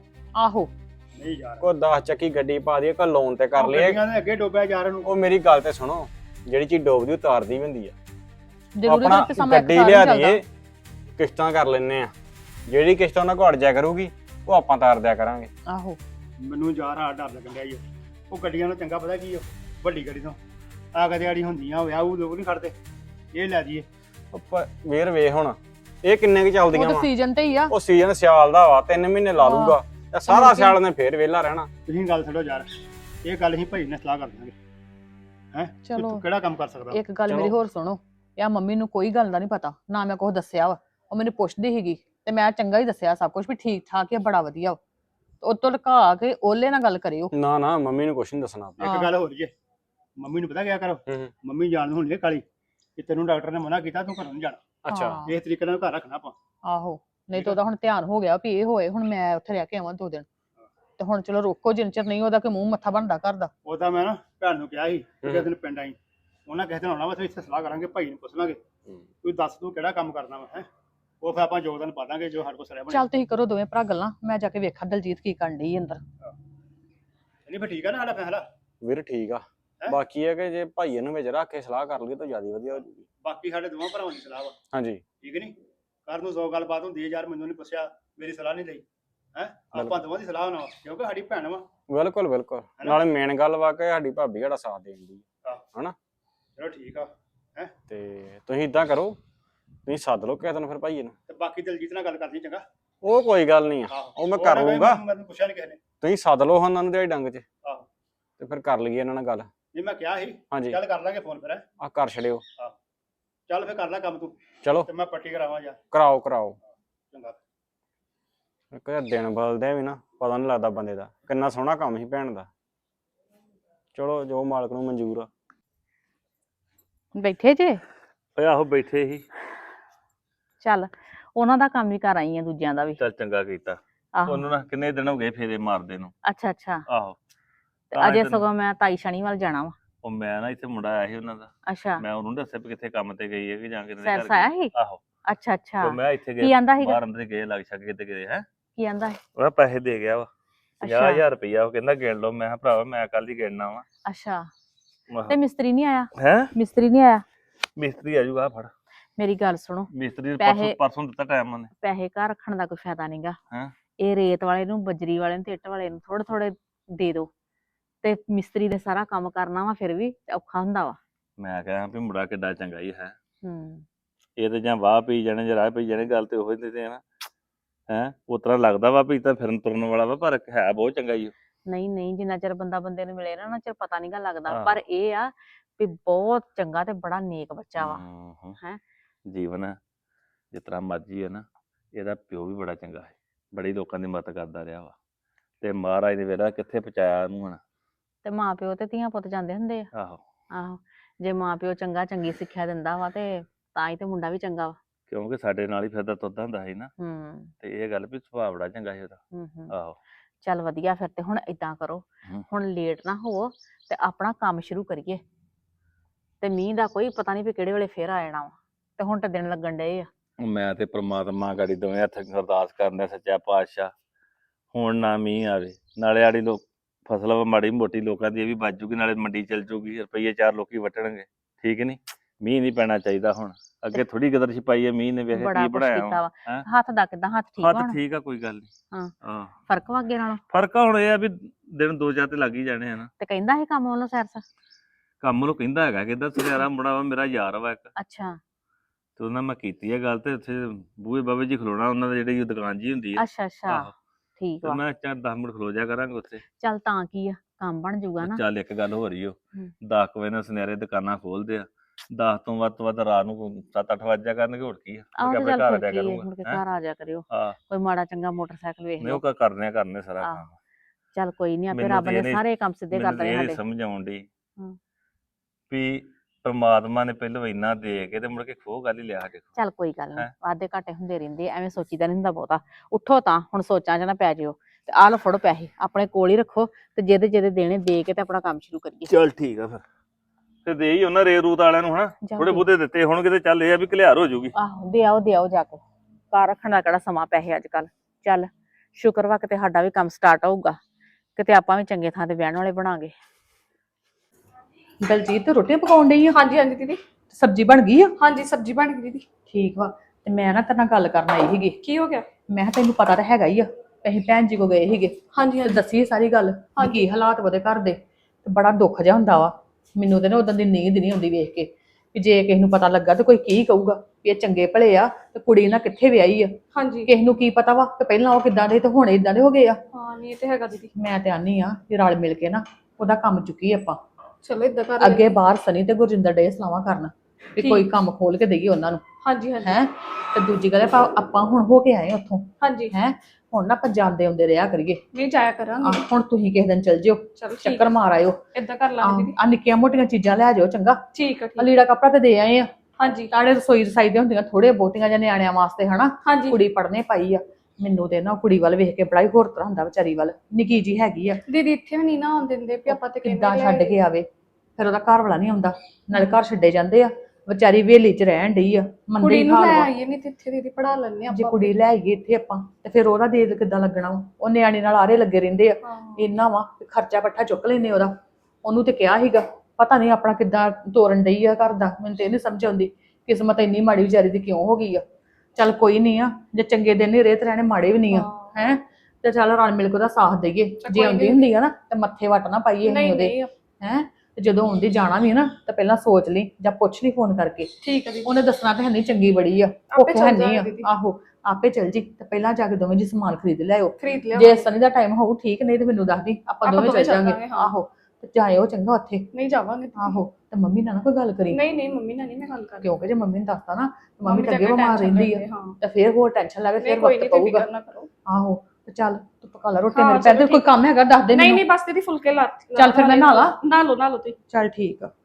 Speaker 4: ਆਹੋ
Speaker 3: ਨਹੀਂ ਯਾਰ,
Speaker 5: ਕੋਈ ਦਸ ਚੱਕੀ ਗੱਡੀ ਪਾ ਦਈਏ, ਕੋਈ ਲੋਨ ਤੇ ਕਰ
Speaker 3: ਉਹ
Speaker 5: ਲਈਏ।
Speaker 3: ਗੱਡੀਆਂ ਦੇ ਅੱਗੇ ਡੋਬਿਆ ਯਾਰ ਨੂੰ।
Speaker 5: ਉਹ ਮੇਰੀ ਗੱਲ ਤੇ ਸੁਣੋ, ਜਿਹੜੀ ਚੀਜ਼ ਡੋਬਦੀ ਉਹ ਤਾਰਦੀ ਵੀ ਹੁੰਦੀ ਆ।
Speaker 4: ਜ਼ਰੂਰੀ
Speaker 5: ਆਪਣਾ
Speaker 4: ਤਾਂ ਤੇ ਸਮਾਂ ਇੱਕ
Speaker 5: ਗੱਡੀ
Speaker 4: ਸਾਲ
Speaker 5: ਲਿਆ
Speaker 4: ਨਹੀਂ ਚੱਲਦਾ।
Speaker 5: ਦਈਏ, ਕਿਸ਼ਤਾਂ ਕਰ ਲੈਨੇ ਆ, ਜਿਹੜੀ ਕਿਸ਼ਤ ਉਹਨਾਂ ਕੋਲ ਅੜ ਜਾ ਕਰੂਗੀ ਉਹ ਆਪਾਂ ਤਾਰ ਦਿਆ ਕਰਾਂਗੇ।
Speaker 4: ਆਹੋ
Speaker 3: ਮੈਨੂੰ ਯਾਰ ਆ ਡਰ ਲੱਗਣ ਡਿਆ ਈ ਓ। ਉਹ ਗੱਡੀਆਂ ਨੂੰ ਚੰਗਾ ਪਤਾ ਕੀ ਓ, ਵੱਡੀ ਗੱਡੀ ਤੋਂ ਆ ਕਦੇ ਆੜੀ ਹੁੰਦੀਆਂ ਵਿਆਹ ਉਹ ਲੋਕ ਨਹੀਂ ਖੜਦੇ, ਇਹ ਲੈ ਜੀਏ।
Speaker 5: ਉਹ ਪ- ਵੀਰ ਵੇ ਹੁਣ ਇਹ ਕਿੰਨੇ ਕੁ
Speaker 4: ਉਹ
Speaker 5: ਚੱਲਦੀਆਂ
Speaker 4: ਤਾਂ
Speaker 5: ਵਾ?
Speaker 4: ਸੀਜ਼ਨ ਤੇ ਹੀ ਆ।
Speaker 5: ਉਹ ਸੀਜ਼ਨ ਸਿਆਲ ਦਾ ਵਾ, ਤਿੰਨ ਮਹੀਨੇ ਲਾ ਲੂਗਾ ਤੇ ਸਾਰਾ
Speaker 4: ਮੁੜ ਕੇ-
Speaker 5: ਸਿਆਲ ਨੇ ਫੇਰ ਵਿਹਲਾ ਰਹਿਣਾ।
Speaker 3: ਤੁਸੀਂ ਗੱਲ ਛੱਡੋ ਯਾਰ, ਇਹ ਗੱਲ ਅਸੀਂ ਭਾਈ ਨੇ ਸਲਾਹ ਕਰ ਦਾਂਗੇ। ਹੈ
Speaker 4: ਚਲੋ।
Speaker 3: ਤੂੰ ਕਿਹੜਾ ਕੰਮ ਕਰ ਸਕਦਾ?
Speaker 4: ਇੱਕ ਗੱਲ ਮੇਰੀ
Speaker 5: ਚਲੋ।
Speaker 4: ਹੋਰ ਸੁਣੋ, ਯਾ ਮੰਮੀ ਨੂੰ ਕੋਈ ਗੱਲ ਦਾ ਨਹੀਂ ਪਤਾ ਨਾ, ਮੈਂ ਕੁਛ ਦੱਸਿਆ ਵਾ। ਉਹ ਮੈਨੂੰ ਪੁੱਛਦੀ ਸੀਗੀ ਤੇ ਮੈਂ ਚੰਗਾ ਹੀ ਦੱਸਿਆ ਸਭ ਕੁਝ ਵੀ ਠੀਕ ਠਾਕ ਹੀ ਆ, ਬੜਾ ਵਧੀਆ ਵਾ। ਉਹ ਤੋਂ ਲੁਕਾ ਕੇ ਓਲੇ ਨਾਲ ਗੱਲ ਕਰਿਓ।
Speaker 5: ਨਾ ਨਾ ਮੰਮੀ ਨੂੰ ਕੁਛ ਨਹੀਂ ਦੱਸਣਾ ਆਪਾਂ।
Speaker 3: ਇੱਕ
Speaker 4: ਹਾਂ।
Speaker 3: ਗੱਲ ਹੋਰ ਜੇ, ਮੰਮੀ ਨੂੰ ਪਤਾ ਕਿਆ ਕਰੋ,
Speaker 5: ਹੂੰ ਹੂੰ,
Speaker 3: ਮੰਮੀ ਜਾਣ ਹੋਣੀ ਹੈ ਕਾਲੀ ਕਿ ਤੈਨੂੰ ਡਾਕਟਰ ਨੇ ਮਨਾ ਕੀਤਾ, ਤੂੰ ਘਰੋਂ ਨਹੀਂ ਜਾਣਾ।
Speaker 5: ਅੱਛਾ
Speaker 4: ਹਾਂ।
Speaker 3: ਇਸ ਤਰੀਕੇ ਨਾਲ ਘਰ ਰੱਖਣਾ ਆਪਾਂ।
Speaker 4: ਆਹੋ ਨਹੀਂ ਤਾਂ ਉਹਦਾ ਹੁਣ ਧਿਆਨ ਹੋ ਗਿਆ ਵੀ ਇਹ ਹੋਏ, ਹੁਣ ਮੈਂ ਉੱਥੇ ਰਹਿ ਕੇ ਆਵਾਂ ਦੋ ਦਿਨ। ਤੇ ਹੁਣ ਚਲੋ ਰੋਕੋ, ਜਿੰਨ ਚਿਰ ਨਹੀਂ ਉਹਦਾ ਕਿ ਮੂੰਹ ਮੱਥਾ ਬਣਦਾ ਘਰ ਦਾ।
Speaker 3: ਉਹ ਤਾਂ ਮੈਂ ਨਾ ਭੈਣ ਨੂੰ ਕਿਹਾ ਸੀ ਕਿ
Speaker 5: ਹੂੰ।
Speaker 3: ਦਿਨ ਪਿੰਡ ਆਈ, ਉਹਨਾਂ ਕਿਸੇ ਦਿਨ ਆਉਣਾ ਵਾ, ਤੇ ਇੱਥੇ ਸਲਾਹ ਕਰਾਂਗੇ, ਭਾਈ ਨੂੰ ਪੁੱਛ ਲਾਂਗੇ
Speaker 5: ਹੂੰ।
Speaker 3: ਤੂੰ ਦੱਸ ਤੂੰ ਕਿਹੜਾ ਕੰਮ ਕਰਨਾ ਵਾ। ਹੈ ਉਹ ਫਿਰ ਆਪਾਂ ਯੋਗਦਾਨ ਪਾ ਦਾਂਗੇ ਜੋ ਸਾਡੇ ਕੋਲ ਸਰਿਆ ਬਣੇ।
Speaker 4: ਚੱਲ ਤੁਸੀਂ ਕਰੋ ਦੋਵੇਂ ਭਰਾ ਗੱਲਾਂ, ਮੈਂ ਜਾ ਕੇ ਵੇਖਾਂ ਦਲਜੀਤ ਕੀ ਕਰਨ ਡਈ ਅੰਦਰ।
Speaker 3: ਨਹੀਂ ਫਿਰ ਠੀਕ ਆ ਨਾ ਸਾਡਾ ਫੈਸਲਾ।
Speaker 5: ਵੀਰ ਠੀਕ ਆ।
Speaker 3: ਹੈਂ?
Speaker 5: ਬਾਕੀ ਇਹ ਕਿ ਜੇ ਭਾਈਏ ਨੂੰ ਵਿੱਚ ਰੱਖ ਕੇ ਸਲਾਹ ਕਰ ਲਈਏ ਤਾਂ ਜ਼ਿਆਦਾ ਵਧੀਆ ਹੋ ਜੂਗੀ।
Speaker 3: ਬਾਕੀ ਸਾਡੇ ਦੋਵਾਂ ਭਰਾਵਾਂ ਦੀ ਸਲਾਹ ਵਾ,
Speaker 5: ਹਾਂਜੀ
Speaker 3: ਠੀਕ ਨਹੀਂ? ਕਰ ਨੂੰ ਸੌ ਗੱਲਬਾਤ ਹੁੰਦੀ ਹੈ ਯਾਰ, ਮੈਨੂੰ ਨਹੀਂ ਪੁੱਛਿਆ, ਮੇਰੀ ਸਲਾਹ ਨਹੀਂ ਲਈ। ਹੈ ਆਪਾਂ ਦੋਵਾਂ ਦੀ ਸਲਾਹ ਨਾ, ਕਿਉਂਕਿ ਸਾਡੀ ਭੈਣ ਵਾ।
Speaker 5: ਬਿਲਕੁਲ ਬਿਲਕੁਲ।
Speaker 3: ਹੈਨਾ?
Speaker 5: ਨਾਲੇ ਮੇਨ ਗੱਲ ਵਾ ਕਿ ਸਾਡੀ ਭਾਬੀ ਸਾਡਾ ਸਾਥ ਦੇਣ ਦੀ ਹਨਾ।
Speaker 3: ਚਲੋ ਠੀਕ ਆ।
Speaker 5: ਤੇ ਤੁਸੀਂ ਇਦਾਂ ਕਰੋ, ਤੁਸੀਂ ਸੱਦ ਲਓ ਕਿਸੇ ਦਿਨ ਫਿਰ ਭਾਈਏ ਨੂੰ।
Speaker 3: ਤੇ ਬਾਕੀ ਦਲਜੀਤ ਨਾਲ ਗੱਲ ਕਰਨੀ ਚੰਗਾ।
Speaker 5: ਉਹ ਕੋਈ ਗੱਲ ਨਹੀਂ ਆ,
Speaker 3: ਆਹੋ
Speaker 5: ਉਹ ਮੈਂ
Speaker 3: ਉਹ
Speaker 5: ਕਰ
Speaker 3: ਨਾ ਕਹੇ
Speaker 5: ਲੂੰਗਾ।
Speaker 3: ਮੈਨੂੰ- ਮੈਨੂੰ ਪੁੱਛਿਆ ਨਹੀਂ ਕਿਸੇ ਨੇ।
Speaker 5: ਤੁਸੀਂ ਸੱਦ ਲਓ ਉਹਨਾਂ ਨੂੰ ਦਿਹਾੜੀ ਡੰਗ 'ਚ
Speaker 3: ਆਹੋ
Speaker 5: ਤੇ ਫਿਰ ਕਰ ਲਈਏ ਇਹਨਾਂ ਨਾਲ ਗੱਲ।
Speaker 3: ਨਹੀਂ ਮੈਂ ਕਿਹਾ ਸੀ
Speaker 5: ਹਾਂਜੀ
Speaker 3: ਚੱਲ ਕਰ ਲਾਂਗੇ ਫੋਨ ਫਿਰ। ਹੈਂ?
Speaker 5: ਆ ਕਰ ਛੜਿਓ।
Speaker 3: ਚੱਲ ਫਿਰ ਕਰ ਲੈ ਕੰਮ ਤੂੰ।
Speaker 5: ਚਲੋ
Speaker 3: ਤੇ ਮੈਂ ਪੱਟੀ ਕਰਾਵਾਂ ਜਾ
Speaker 5: ਕਰਾਓ ਕਰਾਓ
Speaker 3: ਚੰਗਾ।
Speaker 5: ਇੱਕ ਤਾਂ ਦਿਨ ਬਦਲਦੇ ਵੀ ਨਾ ਪਤਾ ਨਹੀਂ ਲੱਗਦਾ ਬੰਦੇ ਦਾ ਕਿੰਨਾ ਸੋਹਣਾ ਕੰਮ ਸੀ ਭੈਣ ਦਾ। ਚਲੋ ਜੋ ਮਾਲਕ ਨੂੰ ਮਨਜ਼ੂਰ ਆ।
Speaker 4: ਬੈਠੇ ਜੇ?
Speaker 2: ਓਏ ਆਹੋ ਬੈਠੇ ਸੀ।
Speaker 4: ਚੱਲ ਉਹਨਾਂ ਦਾ ਕੰਮ ਵੀ ਕਰ ਆਈ ਆ, ਦੂਜਿਆਂ ਦਾ ਵੀ।
Speaker 2: ਚੱਲ ਚੰਗਾ ਕੀਤਾ।
Speaker 4: ਆਹੋ
Speaker 2: ਉਹਨੂੰ ਨਾ ਕਿੰਨੇ ਦਿਨ ਹੋ ਗਏ ਫੇਰੇ ਮਾਰਦੇ ਨੂੰ।
Speaker 4: ਅੱਛਾ ਅੱਛਾ।
Speaker 2: ਆਹੋ
Speaker 4: ਤੇ
Speaker 2: ਤਾਂ
Speaker 4: ਅਜੇ
Speaker 2: ਹੀ ਤੈਨੂੰ-
Speaker 4: ਸਗੋਂ ਮੈਂ ਤਾਈ ਸ਼ਨੀ ਵੱਲ ਜਾਣਾ ਵਾ।
Speaker 2: ਉਹ ਮੈਂ ਨਾ ਇੱਥੇ ਮੁੰਡਾ ਆਇਆ ਸੀ ਉਹਨਾਂ ਦਾ,
Speaker 4: ਅੱਛਾ
Speaker 2: ਮੈਂ ਉਹਨੂੰ ਦੱਸਿਆ ਵੀ ਕਿੱਥੇ ਕੰਮ ਤੇ ਗਈ ਹੈ ਕਿ ਜਾਂ ਕਿਤੇ
Speaker 4: ਸੈਰ ਸਾਇਆ ਸੀ?
Speaker 2: ਆਹੋ
Speaker 4: ਅੱਛਾ ਅੱਛਾ।
Speaker 2: ਤੇ ਮੈਂ ਇੱਥੇ
Speaker 4: ਕੀ
Speaker 2: ਗਿਆ
Speaker 4: ਆਂਦਾ ਸੀਗਾ?
Speaker 2: ਬਾਹਰ ਅੰਦਰ ਗਏ ਲੱਗ ਛੱਕ ਕਿਤੇ ਗਏ ਹੈ।
Speaker 4: ਕੀ ਆਂਦਾ ਸੀ?
Speaker 2: ਉਹ ਪੈਸੇ ਦੇ ਗਿਆ ਵਾ ਪੰਜਾਹ
Speaker 4: ਅੱਛਾ
Speaker 2: ਹਜ਼ਾਰ ਰੁਪਇਆ। ਉਹ ਕਹਿੰਦਾ ਗਿਣ ਲਓ। ਮੈਂ ਕਿਹਾ ਭਰਾਵਾ ਮੈਂ ਕੱਲ ਹੀ ਗਿਣਨਾ ਵਾ।
Speaker 4: ਅੱਛਾ। ਤੇ ਮਿਸਤਰੀ ਨਹੀਂ ਆਇਆ?
Speaker 2: ਹੈ
Speaker 4: ਮਿਸਤਰੀ ਨਹੀਂ ਆਇਆ?
Speaker 2: ਮਿਸਤਰੀ ਆ ਜੂਗਾ ਫੜ।
Speaker 4: ਮੇਰੀ ਗੱਲ ਸੁਣੋ,
Speaker 2: ਮਿਸਤਰੀ ਨੇ
Speaker 4: ਪੈਸੇ-
Speaker 2: ਪਰਸੋਂ ਪਰਸੋਂ ਦਿੱਤਾ ਟਾਈਮ ਉਹਨੇ।
Speaker 4: ਪੈਸੇ ਘਰ ਰੱਖਣ ਦਾ ਕੋਈ ਫਾਇਦਾ ਨਹੀਂਗਾ।
Speaker 2: ਹੈਂ?
Speaker 4: ਇਹ ਰੇਤ ਵਾਲੇ ਨੂੰ, ਬਜਰੀ ਵਾਲੇ ਨੂੰ ਤੇ ਇੱਟ ਵਾਲੇ ਨੂੰ ਥੋੜੇ ਥੋੜੇ ਦੇ ਦਿਓ, ਤੇ ਮਿਸਤਰੀ ਦੇ ਸਾਰਾ ਕੰਮ ਕਰਨਾ ਵਾ ਫਿਰ ਵੀ ਔਖਾ ਹੁੰਦਾ ਵਾ।
Speaker 2: ਮੈਂ ਕਿਹਾ ਵੀ ਮੁੰਡਾ ਕਿੱਡਾ ਚੰਗਾ ਹੀ ਹੈ।
Speaker 4: ਹੂੰ।
Speaker 2: ਇਹ ਤੇ ਜਾਂ ਵਾਹ ਪਈ ਜਾਣੇ ਜਾਂ ਰਾਹ ਪਈ ਜਾਣੇ, ਗੱਲ ਤੇ ਉਹੀ ਦਿੰਦੇ ਆ ਨਾ। ਹੈ ਉਸ ਤਰ੍ਹਾਂ ਲੱਗਦਾ ਵਾ ਵੀ ਤਾਂ ਫਿਰਨ ਤੁਰਨ ਵਾਲਾ ਵਾ, ਪਰ ਹੈ ਬਹੁਤ ਚੰਗਾ ਹੀ।
Speaker 4: ਨਹੀਂ ਨਹੀਂ, ਜਿੰਨਾ ਚਿਰ ਬੰਦਾ ਬੰਦੇ ਨੂੰ ਮਿਲੇ ਨਾ ਉਹਨਾਂ ਚਿਰ ਪਤਾ ਨਹੀਂਗਾ ਲੱਗਦਾ।
Speaker 2: ਆਹੋ।
Speaker 4: ਪਰ ਇਹ ਆ ਵੀ ਬਹੁਤ ਚੰਗਾ ਤੇ ਬੜਾ ਨੇਕ ਬੱਚਾ ਵਾ।
Speaker 2: ਹੂੰ, ਹੂੰ।
Speaker 4: ਹੈਂ?
Speaker 2: ਜੀਵਨ ਹੈ ਜਿਸ ਤਰ੍ਹਾਂ ਮਰਜੀ ਹੈ ਨਾ, ਇਹਦਾ ਪਿਓ ਵੀ ਬੜਾ ਚੰਗਾ ਹੈ, ਬੜੀ ਲੋਕਾਂ ਦੀ ਮਦਦ ਕਰਦਾ ਰਿਹਾ ਵਾ, ਤੇ ਮਹਾਰਾਜ ਨੇ ਵੇਲਾ ਕਿੱਥੇ ਪਹੁੰਚਾਇਆ ਇਹਨੂੰ ਹੁਣ।
Speaker 4: ਤੇ ਮਾਂ ਪਿਓ ਤੇ ਧੀਆਂ ਪੁੱਤ ਜਾਂਦੇ ਹੁੰਦੇ ਆ।
Speaker 2: ਆਹੋ
Speaker 4: ਆਹੋ, ਜੇ ਮਾਂ ਪਿਓ ਚੰਗਾ ਚੰਗੀ ਸਿੱਖਿਆ ਦਿੰਦਾ ਵਾ ਤੇ ਤਾਂ ਹੀ ਤੇ ਮੁੰਡਾ ਵੀ ਚੰਗਾ ਵਾ।
Speaker 2: ਕਿਉਂਕਿ ਸਾਡੇ ਨਾਲ ਹੀ ਫਿਰਦਾ ਤੁਰਦਾ ਹੁੰਦਾ ਸੀ ਨਾ,
Speaker 4: ਹੂੰ
Speaker 2: ਤੇ ਇਹ ਗੱਲ ਵੀ ਸੁਭਾਅ ਬੜਾ ਚੰਗਾ ਸੀ ਉਹਦਾ।
Speaker 4: ਹੂੰ ਹੂੰ।
Speaker 2: ਆਹੋ
Speaker 4: ਚੱਲ ਵਧੀਆ। ਫਿਰ ਤੇ ਹੁਣ ਏਦਾਂ ਕਰੋ,
Speaker 2: ਹੂੰ।
Speaker 4: ਹੁਣ ਲੇਟ ਨਾ ਹੋਵੋ ਤੇ ਆਪਣਾ ਕੰਮ ਸ਼ੁਰੂ ਕਰੀਏ। ਤੇ ਮੀਂਹ ਦਾ ਕੋਈ ਪਤਾ ਨਹੀਂ ਵੀ ਕਿਹੜੇ ਵੇਲੇ ਫੇਰ ਆ ਜਾਣਾ ਵਾ, ਤੇ ਹੁਣ ਤੇ ਦਿਨ ਲੱਗਣ ਡਏ ਆ।
Speaker 2: ਮੈਂ ਤੇ ਪ੍ਰਮਾਤਮਾ ਗਾੜੀ ਦੋਵੇਂ ਹੱਥ ਅਰਦਾਸ ਕਰਦਾ, ਸੱਚਾ ਪਾਤਸ਼ਾਹ ਹੁਣ ਨਾ ਮੀਂਹ ਆਵੇ, ਨਾਲੇ ਆੜੀ ਲੋਕ ਫਸਲ ਵਾ ਮਾੜੀ ਮੋਟੀ ਲੋਕਾਂ ਦੀ ਇਹ ਵੀ ਬਚ ਜੂਗੀ, ਨਾਲੇ ਮੰਡੀ ਚੱਲ ਜੂਗੀ, ਰੁਪਈਏ ਚਾਰ ਲੋਕੀ ਵਟਣਗੇ। ਠੀਕ ਨੀ? ਮੀਂਹ ਨਹੀਂ ਪੈਣਾ ਚਾਹੀਦਾ ਹੁਣ। ਅੱਗੇ ਥੋੜੀ ਕਦਰ ਛਪਾਈ ਹੈ ਮੀਂਹ ਨੇ, ਵੇਖ
Speaker 4: ਬੜਾ
Speaker 2: ਕੀ
Speaker 4: ਕੁਛ
Speaker 2: ਬਣਾਇਆ
Speaker 4: ਕੀਤਾ
Speaker 2: ਵਾ।
Speaker 4: ਵਾ।
Speaker 2: ਹੈਂ?
Speaker 4: ਹੱਥ ਦਾ ਕਿਦਾਂ? ਹੱਥ ਠੀਕ ਵਾ
Speaker 2: ਹੱਥ
Speaker 4: ਹੁਣ?
Speaker 2: ਠੀਕ ਆ, ਕੋਈ ਗੱਲ ਨਹੀਂ।
Speaker 4: ਹਾਂ।
Speaker 2: ਹਾਂ
Speaker 4: ਫਰਕ ਵਾ ਅੱਗੇ ਨਾਲੋਂ?
Speaker 2: ਫਰਕ ਆ ਹੁਣ ਇਹ ਆ ਵੀ ਦਿਨ ਦੋ ਚਾਰ ਤੇ ਲੱਗ ਹੀ ਜਾਣੇ ਆ ਨਾ।
Speaker 4: ਤੇ ਕਹਿੰਦਾ ਇਹ ਕੰਮ ਵੱਲੋਂ ਸੈਰਸ?
Speaker 2: ਕੰਮ ਨੂੰ ਕਹਿੰਦਾ ਹੈਗਾ, ਕਹਿੰਦਾ ਸੁਨਿਆਰਾ ਮੁੰਡਾ ਵਾ, ਮੇਰਾ ਯਾਰ ਵਾ ਇੱਕ,
Speaker 4: ਅੱਛਾ
Speaker 2: ਤੇ ਉਹਨਾਂ ਮੈਂ ਕੀਤੀ ਹੈ ਗੱਲ, ਤੇ ਉੱਥੇ ਬੂਹੇ ਬਾਬੇ ਜੀ ਖਲੋਣਾ ਉਹਨਾਂ ਦੇ, ਜਿਹੜੀ ਦੁਕਾਨ ਜੀ ਹੁੰਦੀ ਆ।
Speaker 4: ਅੱਛਾ ਅੱਛਾ।
Speaker 2: ਆਹੋ
Speaker 4: ਠੀਕ
Speaker 2: ਤੇ
Speaker 4: ਵਾ।
Speaker 2: ਮੈਂ ਚਾਰ ਦਸ ਮਿੰਟ ਖਲੋ ਜਾ ਕਰਾਂਗੇ ਉੱਥੇ।
Speaker 4: ਚੱਲ ਤਾਂ ਕੀ ਆ, ਕੰਮ ਬਣ ਜਾਊਗਾ ਨਾ।
Speaker 2: ਚੱਲ ਇੱਕ ਗੱਲ ਹੋ ਰਹੀ ਓ,
Speaker 4: ਹੂੰ।
Speaker 2: ਦਸ ਕੁ ਵਜੇ ਨਾਲ ਸੁਨਿਆਰੇ ਦੁਕਾਨਾਂ ਖੋਲਦੇ ਆ, ਦਸ ਤੋਂ ਵੱਧ ਤੋਂ ਵੱਧ ਰਾਤ ਨੂੰ ਸੱਤ ਅੱਠ ਵੱਜ ਜਾ ਕਰਨਗੇ, ਹੋਰ ਕੀ ਆ।
Speaker 4: ਆਹੋ
Speaker 2: ਮੁੜ
Speaker 4: ਤੇ
Speaker 2: ਕੇ ਆਪਣੇ
Speaker 4: ਚੱਲ
Speaker 2: ਘਰ ਆ
Speaker 4: ਫਿਰ
Speaker 2: ਜਾ
Speaker 4: ਕੀ ਆ,
Speaker 2: ਕਰੂੰਗਾ।
Speaker 4: ਮੁੜ ਕੇ
Speaker 2: ਹੈਂ?
Speaker 4: ਘਰ ਆ ਜਾ ਕਰਿਓ।
Speaker 2: ਹਾਂ
Speaker 4: ਕੋਈ ਮਾੜਾ ਚੰਗਾ ਮੋਟਰਸਾਈਕਲ ਵੇਖ
Speaker 2: ਨਹੀਂ
Speaker 4: ਲਿਓ।
Speaker 2: ਉਹ ਕ- ਕਰਨੇ ਆ ਕਰਨੇ ਸਾਰਾ
Speaker 4: ਆਹੋ।
Speaker 2: ਕੰਮ।
Speaker 4: ਚੱਲ ਕੋਈ ਨਹੀਂ, ਆਪੇ
Speaker 2: ਮੈਨੂੰ
Speaker 4: ਰੱਬ
Speaker 2: ਤੇ
Speaker 4: ਨੇ
Speaker 2: ਇਹ ਨੀ-
Speaker 4: ਸਾਰੇ ਕੰਮ ਸਿੱਧੇ ਕਰ
Speaker 2: ਮੈਨੂੰ
Speaker 4: ਦੇਣੇ
Speaker 2: ਇਹ ਨੀ
Speaker 4: ਸਾਡੇ।
Speaker 2: ਸਮਝ ਆਉਣ ਡਈ
Speaker 4: ਹੂੰ।
Speaker 2: ਵੀ ਪਰਮਾਤਮਾ ਨੇ ਪਹਿਲਾਂ ਇੰਨਾ ਦੇ ਕੇ ਤੇ ਮੁੜ ਕੇ ਖੋਹ ਗੱਲ ਹੀ ਲਿਆ ਸਾਡੇ ਕੋਲ।
Speaker 4: ਚੱਲ ਕੋਈ ਗੱਲ ਨਹੀਂ,
Speaker 2: ਹੈਂ?
Speaker 4: ਵਾਧੇ ਘਾਟੇ ਹੁੰਦੇ ਰਹਿੰਦੇ ਆ, ਐਵੇਂ ਸੋਚੀਦਾ ਨਹੀਂ ਹੁੰਦਾ ਬਹੁਤਾ। ਉੱਠੋ ਤਾਂ ਹੁਣ, ਸੋਚਾਂ ਚ ਨਾ ਪੈ ਜਿਓ, ਤੇ ਆਹ ਲਓ ਫੜੋ ਪੈਸੇ, ਆਪਣੇ ਕੋਲ ਹੀ ਰੱਖੋ, ਤੇ ਜਿਹਦੇ ਜਿਹਦੇ ਦੇਣੇ ਦੇ ਕੇ ਤੇ ਆਪਣਾ ਕੰਮ ਸ਼ੁਰੂ ਕਰੀਏ।
Speaker 2: ਚੱਲ ਠੀਕ ਆ ਫਿਰ, ਤੇ ਦੇ ਹੀ ਉਹਨਾਂ ਰੇਤ ਰੂਤ ਵਾਲਿਆਂ ਨੂੰ ਹਨਾ,
Speaker 4: ਜਾ
Speaker 2: ਥੋੜੇ
Speaker 4: ਦੇ।
Speaker 2: ਬਹੁਤੇ ਦਿੱਤੇ ਹੋਣਗੇ, ਤੇ ਚੱਲ ਇਹ ਆ ਵੀ ਘਲਿਆਰ ਹੋ ਜਾਊਗੀ।
Speaker 4: ਆਹੋ ਦੇ ਆਓ ਦੇ ਆਓ ਜਾ ਕੇ, ਘਰ ਰੱਖਣ ਦਾ ਕਿਹੜਾ ਸਮਾਂ ਪੈਸੇ ਅੱਜ ਕੱਲ। ਚੱਲ ਸ਼ੁਕਰ ਵਾ ਕਿਤੇ ਸਾਡਾ ਵੀ ਕੰਮ ਸਟਾਰਟ ਹੋਊਗਾ, ਕਿਤੇ ਆਪਾਂ ਵੀ ਚੰਗੇ ਥਾਂ ਤੇ ਵਿਆਹਣ ਵਾਲੇ ਬਣਾਂਗੇ। ਦਲਜੀਤ ਰੋਟੀ ਪਕਾਉਣ ਡਈ ਆ?
Speaker 6: ਹਾਂਜੀ ਹਾਂਜੀ ਦੀਦੀ।
Speaker 4: ਸਬਜ਼ੀ ਬਣ ਗਈ ਆ?
Speaker 6: ਹਾਂਜੀ ਸਬਜ਼ੀ ਬਣ ਗਈ ਦੀਦੀ।
Speaker 4: ਠੀਕ ਵਾ। ਤੇ ਮੈਂ ਨਾ ਤੇਰੇ ਨਾਲ ਗੱਲ ਕਰਨ ਆਈ ਸੀਗੀ।
Speaker 6: ਕੀ ਹੋ ਗਿਆ?
Speaker 4: ਮੈਂ ਕਿਹਾ ਤੈਨੂੰ ਪਤਾ ਤਾਂ ਹੈਗਾ ਹੀ ਆ, ਅਸੀਂ ਭੈਣ ਜੀ ਕੋ ਗਏ ਸੀਗੇ,
Speaker 6: ਹਾਂਜੀ
Speaker 4: ਤੇ
Speaker 6: ਹਾਂਜੀ
Speaker 4: ਦੱਸੀ ਸਾਰੀ ਗੱਲ ਵੀ ਕੀ ਹਾਲਾਤ ਉਹਦੇ ਘਰ ਦੇ, ਤੇ ਬੜਾ ਦੁੱਖ ਜਿਹਾ ਹੁੰਦਾ ਵਾ ਮੈਨੂੰ। ਤੇ ਨਾ ਉਦੋਂ ਦੀ ਨੀਂਦ ਨਹੀਂ ਆਉਂਦੀ ਵੇਖ ਕੇ, ਵੀ ਜੇ ਕਿਸੇ ਨੂੰ ਪਤਾ ਲੱਗਾ ਤੇ ਕੋਈ ਕੀ ਕਹੂਗਾ ਵੀ ਇਹ ਚੰਗੇ ਭਲੇ ਆ, ਤੇ ਕੁੜੀ ਨਾ ਕਿੱਥੇ ਵਿਆਹੀ ਆ।
Speaker 6: ਹਾਂਜੀ।
Speaker 4: ਕਿਸੇ ਨੂੰ ਕੀ ਪਤਾ ਵਾ ਕਿ ਪਹਿਲਾਂ ਉਹ ਕਿੱਦਾਂ ਦੇ ਤੇ ਹੁਣ ਇਦਾਂ ਦੇ ਹੋ ਗਏ ਆ।
Speaker 6: ਹਾਂ ਨਹੀਂ ਇਹ ਤੇ ਹੈਗਾ ਦੀਦੀ।
Speaker 4: ਮੈਂ ਤੇ ਆਨੀ ਆ ਕਿ ਰਲ ਮਿਲ ਕੇ ਨਾ ਉਹਦਾ ਕੰਮ ਚੁੱਕੀ ਆਪਾਂ।
Speaker 6: ਚਲੋ ਏਦਾਂ ਕਰ
Speaker 4: ਅੱਗੇ ਬਾਹਰ ਸਨੀ ਤੇ ਗੁਰਜਿੰਦਰ ਡੇ ਸਲਾਹਾਂ ਕਰਨ ਵੀ ਕੋਈ ਕੰਮ ਖੋਲ ਕੇ ਦੇਈਏ ਉਹਨਾਂ ਨੂੰ।
Speaker 6: ਹਾਂਜੀ ਹਾਂਜੀ
Speaker 4: ਹੈ ਤੇ ਦੂਜੀ ਗੱਲ ਆਪਾਂ ਆਪਾਂ ਹੁਣ ਹੋ ਕੇ ਆਏ ਉੱਥੋਂ,
Speaker 6: ਹਾਂਜੀ।
Speaker 4: ਹੈ ਹੁਣ ਨਾ ਆਪਾਂ ਜਾਂਦੇ ਆਉਂਦੇ ਰਿਹਾ ਕਰੀਏ।
Speaker 6: ਨਹੀਂ ਜਾਇਆ ਕਰਾਂਗੇ।
Speaker 4: ਆਹ ਹੁਣ ਤੁਸੀਂ ਕਿਸੇ ਦਿਨ ਚੱਲ ਜਿਓ,
Speaker 6: ਚਲੋ ਠੀਕ
Speaker 4: ਚੱਕਰ ਮਾਰ ਆਇਓ।
Speaker 6: ਏਦਾਂ ਕਰ ਲਾਂਗੇ ਦੀਦੀ।
Speaker 4: ਆ ਨਿੱਕੀਆਂ ਮੋਟੀਆਂ ਚੀਜ਼ਾਂ ਲੈ ਜਾਓ ਚੰਗਾ।
Speaker 6: ਠੀਕ ਆ
Speaker 4: ਆ
Speaker 6: ਠੀਕ।
Speaker 4: ਲੀੜਾ ਕੱਪੜਾ ਤੇ ਦੇ ਆਏ ਆ,
Speaker 6: ਹਾਂਜੀ
Speaker 4: ਨਾਲੇ ਰਸੋਈ ਰਸਾਈ ਦੀਆਂ ਹੁੰਦੀਆਂ ਥੋੜੇ ਬਹੁਤੀਆਂ ਜਾਂ ਨਿਆਣਿਆਂ ਵਾਸਤੇ ਹਨਾ।
Speaker 6: ਹਾਂਜੀ
Speaker 4: ਕੁੜੀ ਪੜਨੇ ਪਾਈ ਆ, ਮੈਨੂੰ ਤੇ ਨਾ ਕੁੜੀ ਵੱਲ ਵੇਖ ਕੇ ਬੜਾ ਹੀ ਹੋਰ ਤਰ੍ਹਾਂ ਹੁੰਦਾ, ਵਿਚਾਰੀ ਵੱਲ ਨਿੱਕੀ ਜੀ ਹੈਗੀ ਆ,
Speaker 6: ਦੀਦੀ ਇੱਥੇ ਵੀ ਨਹੀਂ ਨਾ ਆਉਣ ਦਿੰਦੇ ਵੀ ਆਪਾਂ ਤੇ
Speaker 4: ਕਿੱਦਾਂ
Speaker 6: ਕਹਿੰਦੇ
Speaker 4: ਛੱਡ ਕੇ ਆਵੇ। ਫਿਰ ਉਹਦਾ ਘਰ ਵਾਲਾ ਨਹੀਂ ਆਉਂਦਾ, ਨਾਲੇ ਘਰ ਛੱਡੇ ਜਾਂਦੇ ਆ, ਵਿਚਾਰੀ ਵੇਲੀ ਚ ਰਹਿਣ ਡਈ ਆ, ਮੰਦੇ
Speaker 6: ਕੁੜੀ
Speaker 4: ਹੀ
Speaker 6: ਨੂੰ
Speaker 4: ਹਾਲ
Speaker 6: ਲੈ
Speaker 4: ਵਾ।
Speaker 6: ਆਈਏ, ਨਹੀਂ ਤੇ ਇੱਥੇ ਦੀਦੀ ਪੜਾ ਲੈਣੇ
Speaker 4: ਜੇ
Speaker 6: ਆਪਾਂ।
Speaker 4: ਕੁੜੀ ਲੈ ਆਈਏ ਇੱਥੇ ਆਪਾਂ ਤੇ ਫਿਰ ਉਹਦਾ ਦਿਲ ਕਿੱਦਾਂ ਲੱਗਣਾ ਵਾ? ਉਹ ਨਿਆਣੇ ਨਾਲ ਆਰੇ ਲੱਗੇ ਰਹਿੰਦੇ ਆ।
Speaker 6: ਹਾਂ।
Speaker 4: ਇੰਨਾ ਵਾ ਕਿ ਖਰਚਾ ਪੱਠਾ ਚੁੱਕ ਲੈਨੇ ਉਹਦਾ। ਉਹਨੂੰ ਤੇ ਕਿਹਾ ਸੀਗਾ, ਪਤਾ ਨਹੀਂ ਆਪਣਾ ਕਿੱਦਾਂ ਤੋਰਨ ਡਈ ਆ ਘਰ ਦਾ, ਮੈਨੂੰ ਤੇ ਇਹ ਨੀ ਸਮਝ ਆਉਂਦੀ ਕਿਸਮਤ ਇੰਨੀ ਮਾੜੀ ਵਿਚਾਰੀ ਦੀ ਕਿਉਂ ਹੋ ਗਈ ਆ। ਚੱਲ ਕੋਈ ਨਹੀਂ ਆ, ਜੇ ਚੰਗੇ ਦਿਨ ਨਹੀਂ ਰਹੇ ਤੇ ਰਹਿਣੇ ਮਾੜੇ ਵੀ ਨਹੀਂ ਆ।
Speaker 6: ਹਾਂ।
Speaker 4: ਹੈ ਤੇ ਚੱਲ ਰਲ ਮਿਲ ਕੇ ਉਹਦਾ ਸਾਥ ਦੇਈਏ। ਜੇ
Speaker 6: ਕੋਈ
Speaker 4: ਆਉਂਦੀ
Speaker 6: ਨੀ।
Speaker 4: ਹੁੰਦੀ ਆ ਨਾ ਤੇ ਮੱਥੇ ਵੱਟ ਨਾ ਪਾਈਏ ਅਸੀਂ
Speaker 6: ਨਹੀਂ
Speaker 4: ਉਹਦੇ।
Speaker 6: ਨਹੀਂ
Speaker 4: ਹੈ ਤੇ ਜਦੋਂ ਆਉਂਦੀ ਜਾਣਾ ਵੀ ਨਾ ਤਾਂ ਪਹਿਲਾਂ ਸੋਚ ਲਈ ਜਾਂ ਪੁੱਛ ਲਈ ਫੋਨ ਕਰਕੇ।
Speaker 6: ਠੀਕ ਆ ਦੀਦੀ।
Speaker 4: ਉਹਨੇ ਦੱਸਣਾ ਤੇ ਹੈ ਨਹੀਂ ਚੰਗੀ ਬੜੀ ਆ,
Speaker 6: ਆਪੇ
Speaker 4: ਭੁੱਖ
Speaker 6: ਚੱਲ
Speaker 4: ਹੈ ਨਹੀਂ ਆ।
Speaker 6: ਜਾਣਗੇ ਦੀਦੀ।
Speaker 4: ਆਹੋ ਆਪੇ ਚੱਲ ਜੀ, ਤੇ ਪਹਿਲਾਂ ਜਾ ਕੇ ਦੋਵੇਂ ਜੀ ਸਮਾਨ ਖਰੀਦ ਲਿਆਓ।
Speaker 6: ਖਰੀਦ ਲਿਆ।
Speaker 4: ਜੇ ਸਨੀ ਦਾ ਟਾਈਮ ਹੋਊ ਠੀਕ, ਨਹੀਂ ਤੇ ਮੈਨੂੰ ਦੱਸ ਦੀ, ਆਪਾਂ
Speaker 6: ਆਪਾਂ
Speaker 4: ਦੋਵੇਂ ਚੱਲ
Speaker 6: ਦੋਵੇਂ ਚੱਲ
Speaker 4: ਜਾਾਂਗੇ।
Speaker 6: ਜਾਵਾਂਗੇ, ਹਾਂ।
Speaker 4: ਆਹੋ ਤੇ ਜਾਇਓ ਚੰਗਾ ਉੱਥੇ।
Speaker 6: ਨਹੀਂ ਜਾਵਾਂਗੇ ਦੀਦੀ।
Speaker 4: ਆਹੋ ਤੇ ਮੰਮੀ ਨਾਲ ਨਾ ਕੋਈ ਗੱਲ ਕਰੀ,
Speaker 6: ਨਹੀਂ ਨਹੀਂ ਮੰਮੀ ਨਾਲ ਨਹੀਂ ਮੈਂ ਗੱਲ ਕਰਨੀ।
Speaker 4: ਕਿਉਂਕਿ ਜੇ ਮੰਮੀ ਨੂੰ ਦੱਸਤਾ ਨਾ ਤੇ ਮੰਮੀ
Speaker 6: ਮੰਮੀ
Speaker 4: ਤਾਂ ਅੱਗੇ
Speaker 6: ਤਾਂ
Speaker 4: ਬਿਮਾਰ
Speaker 6: tension
Speaker 4: ਰਹਿੰਦੀ ਆ,
Speaker 6: ਲੈਂਦੇ, ਹਾਂ।
Speaker 4: ਤੇ ਫੇਰ ਹੋਰ ਟੈਨਸ਼ਨ ਲੈ ਕੇ
Speaker 6: ਨਹੀਂ
Speaker 4: ਫੇਰ
Speaker 6: ਕੋਈ
Speaker 4: ਵਕਤ
Speaker 6: ਨਹੀਂ, ਤੁਸੀਂ
Speaker 4: ਪਊਗਾ।
Speaker 6: ਫਿਕਰ ਨਾ ਕਰੋ।
Speaker 4: ਆਹੋ ਤੇ ਚੱਲ ਤੂੰ ਪਕਾ ਲੈ ਰੋਟੀ
Speaker 6: ਹਾਂ,
Speaker 4: ਮੇਰੇ
Speaker 6: ਚਲੋ
Speaker 4: ਪੈਰ ਤੇ ਕੋਈ
Speaker 6: ਠੀਕ।
Speaker 4: ਕੰਮ ਹੈਗਾ ਦੱਸ ਦੇ
Speaker 6: ਨਹੀਂ
Speaker 4: ਮੈਨੂੰ।
Speaker 6: ਨਹੀਂ ਬਸ ਦੀਦੀ ਫੁਲਕੇ ਲਾ
Speaker 4: ਚੱਲ ਫਿਰ ਮੈਂ ਨਹਾ ਲਾ।
Speaker 6: ਨਾ ਲਓ ਨਾ ਲਓ ਤੁਸੀਂ।
Speaker 4: ਚੱਲ ਠੀਕ ਆ।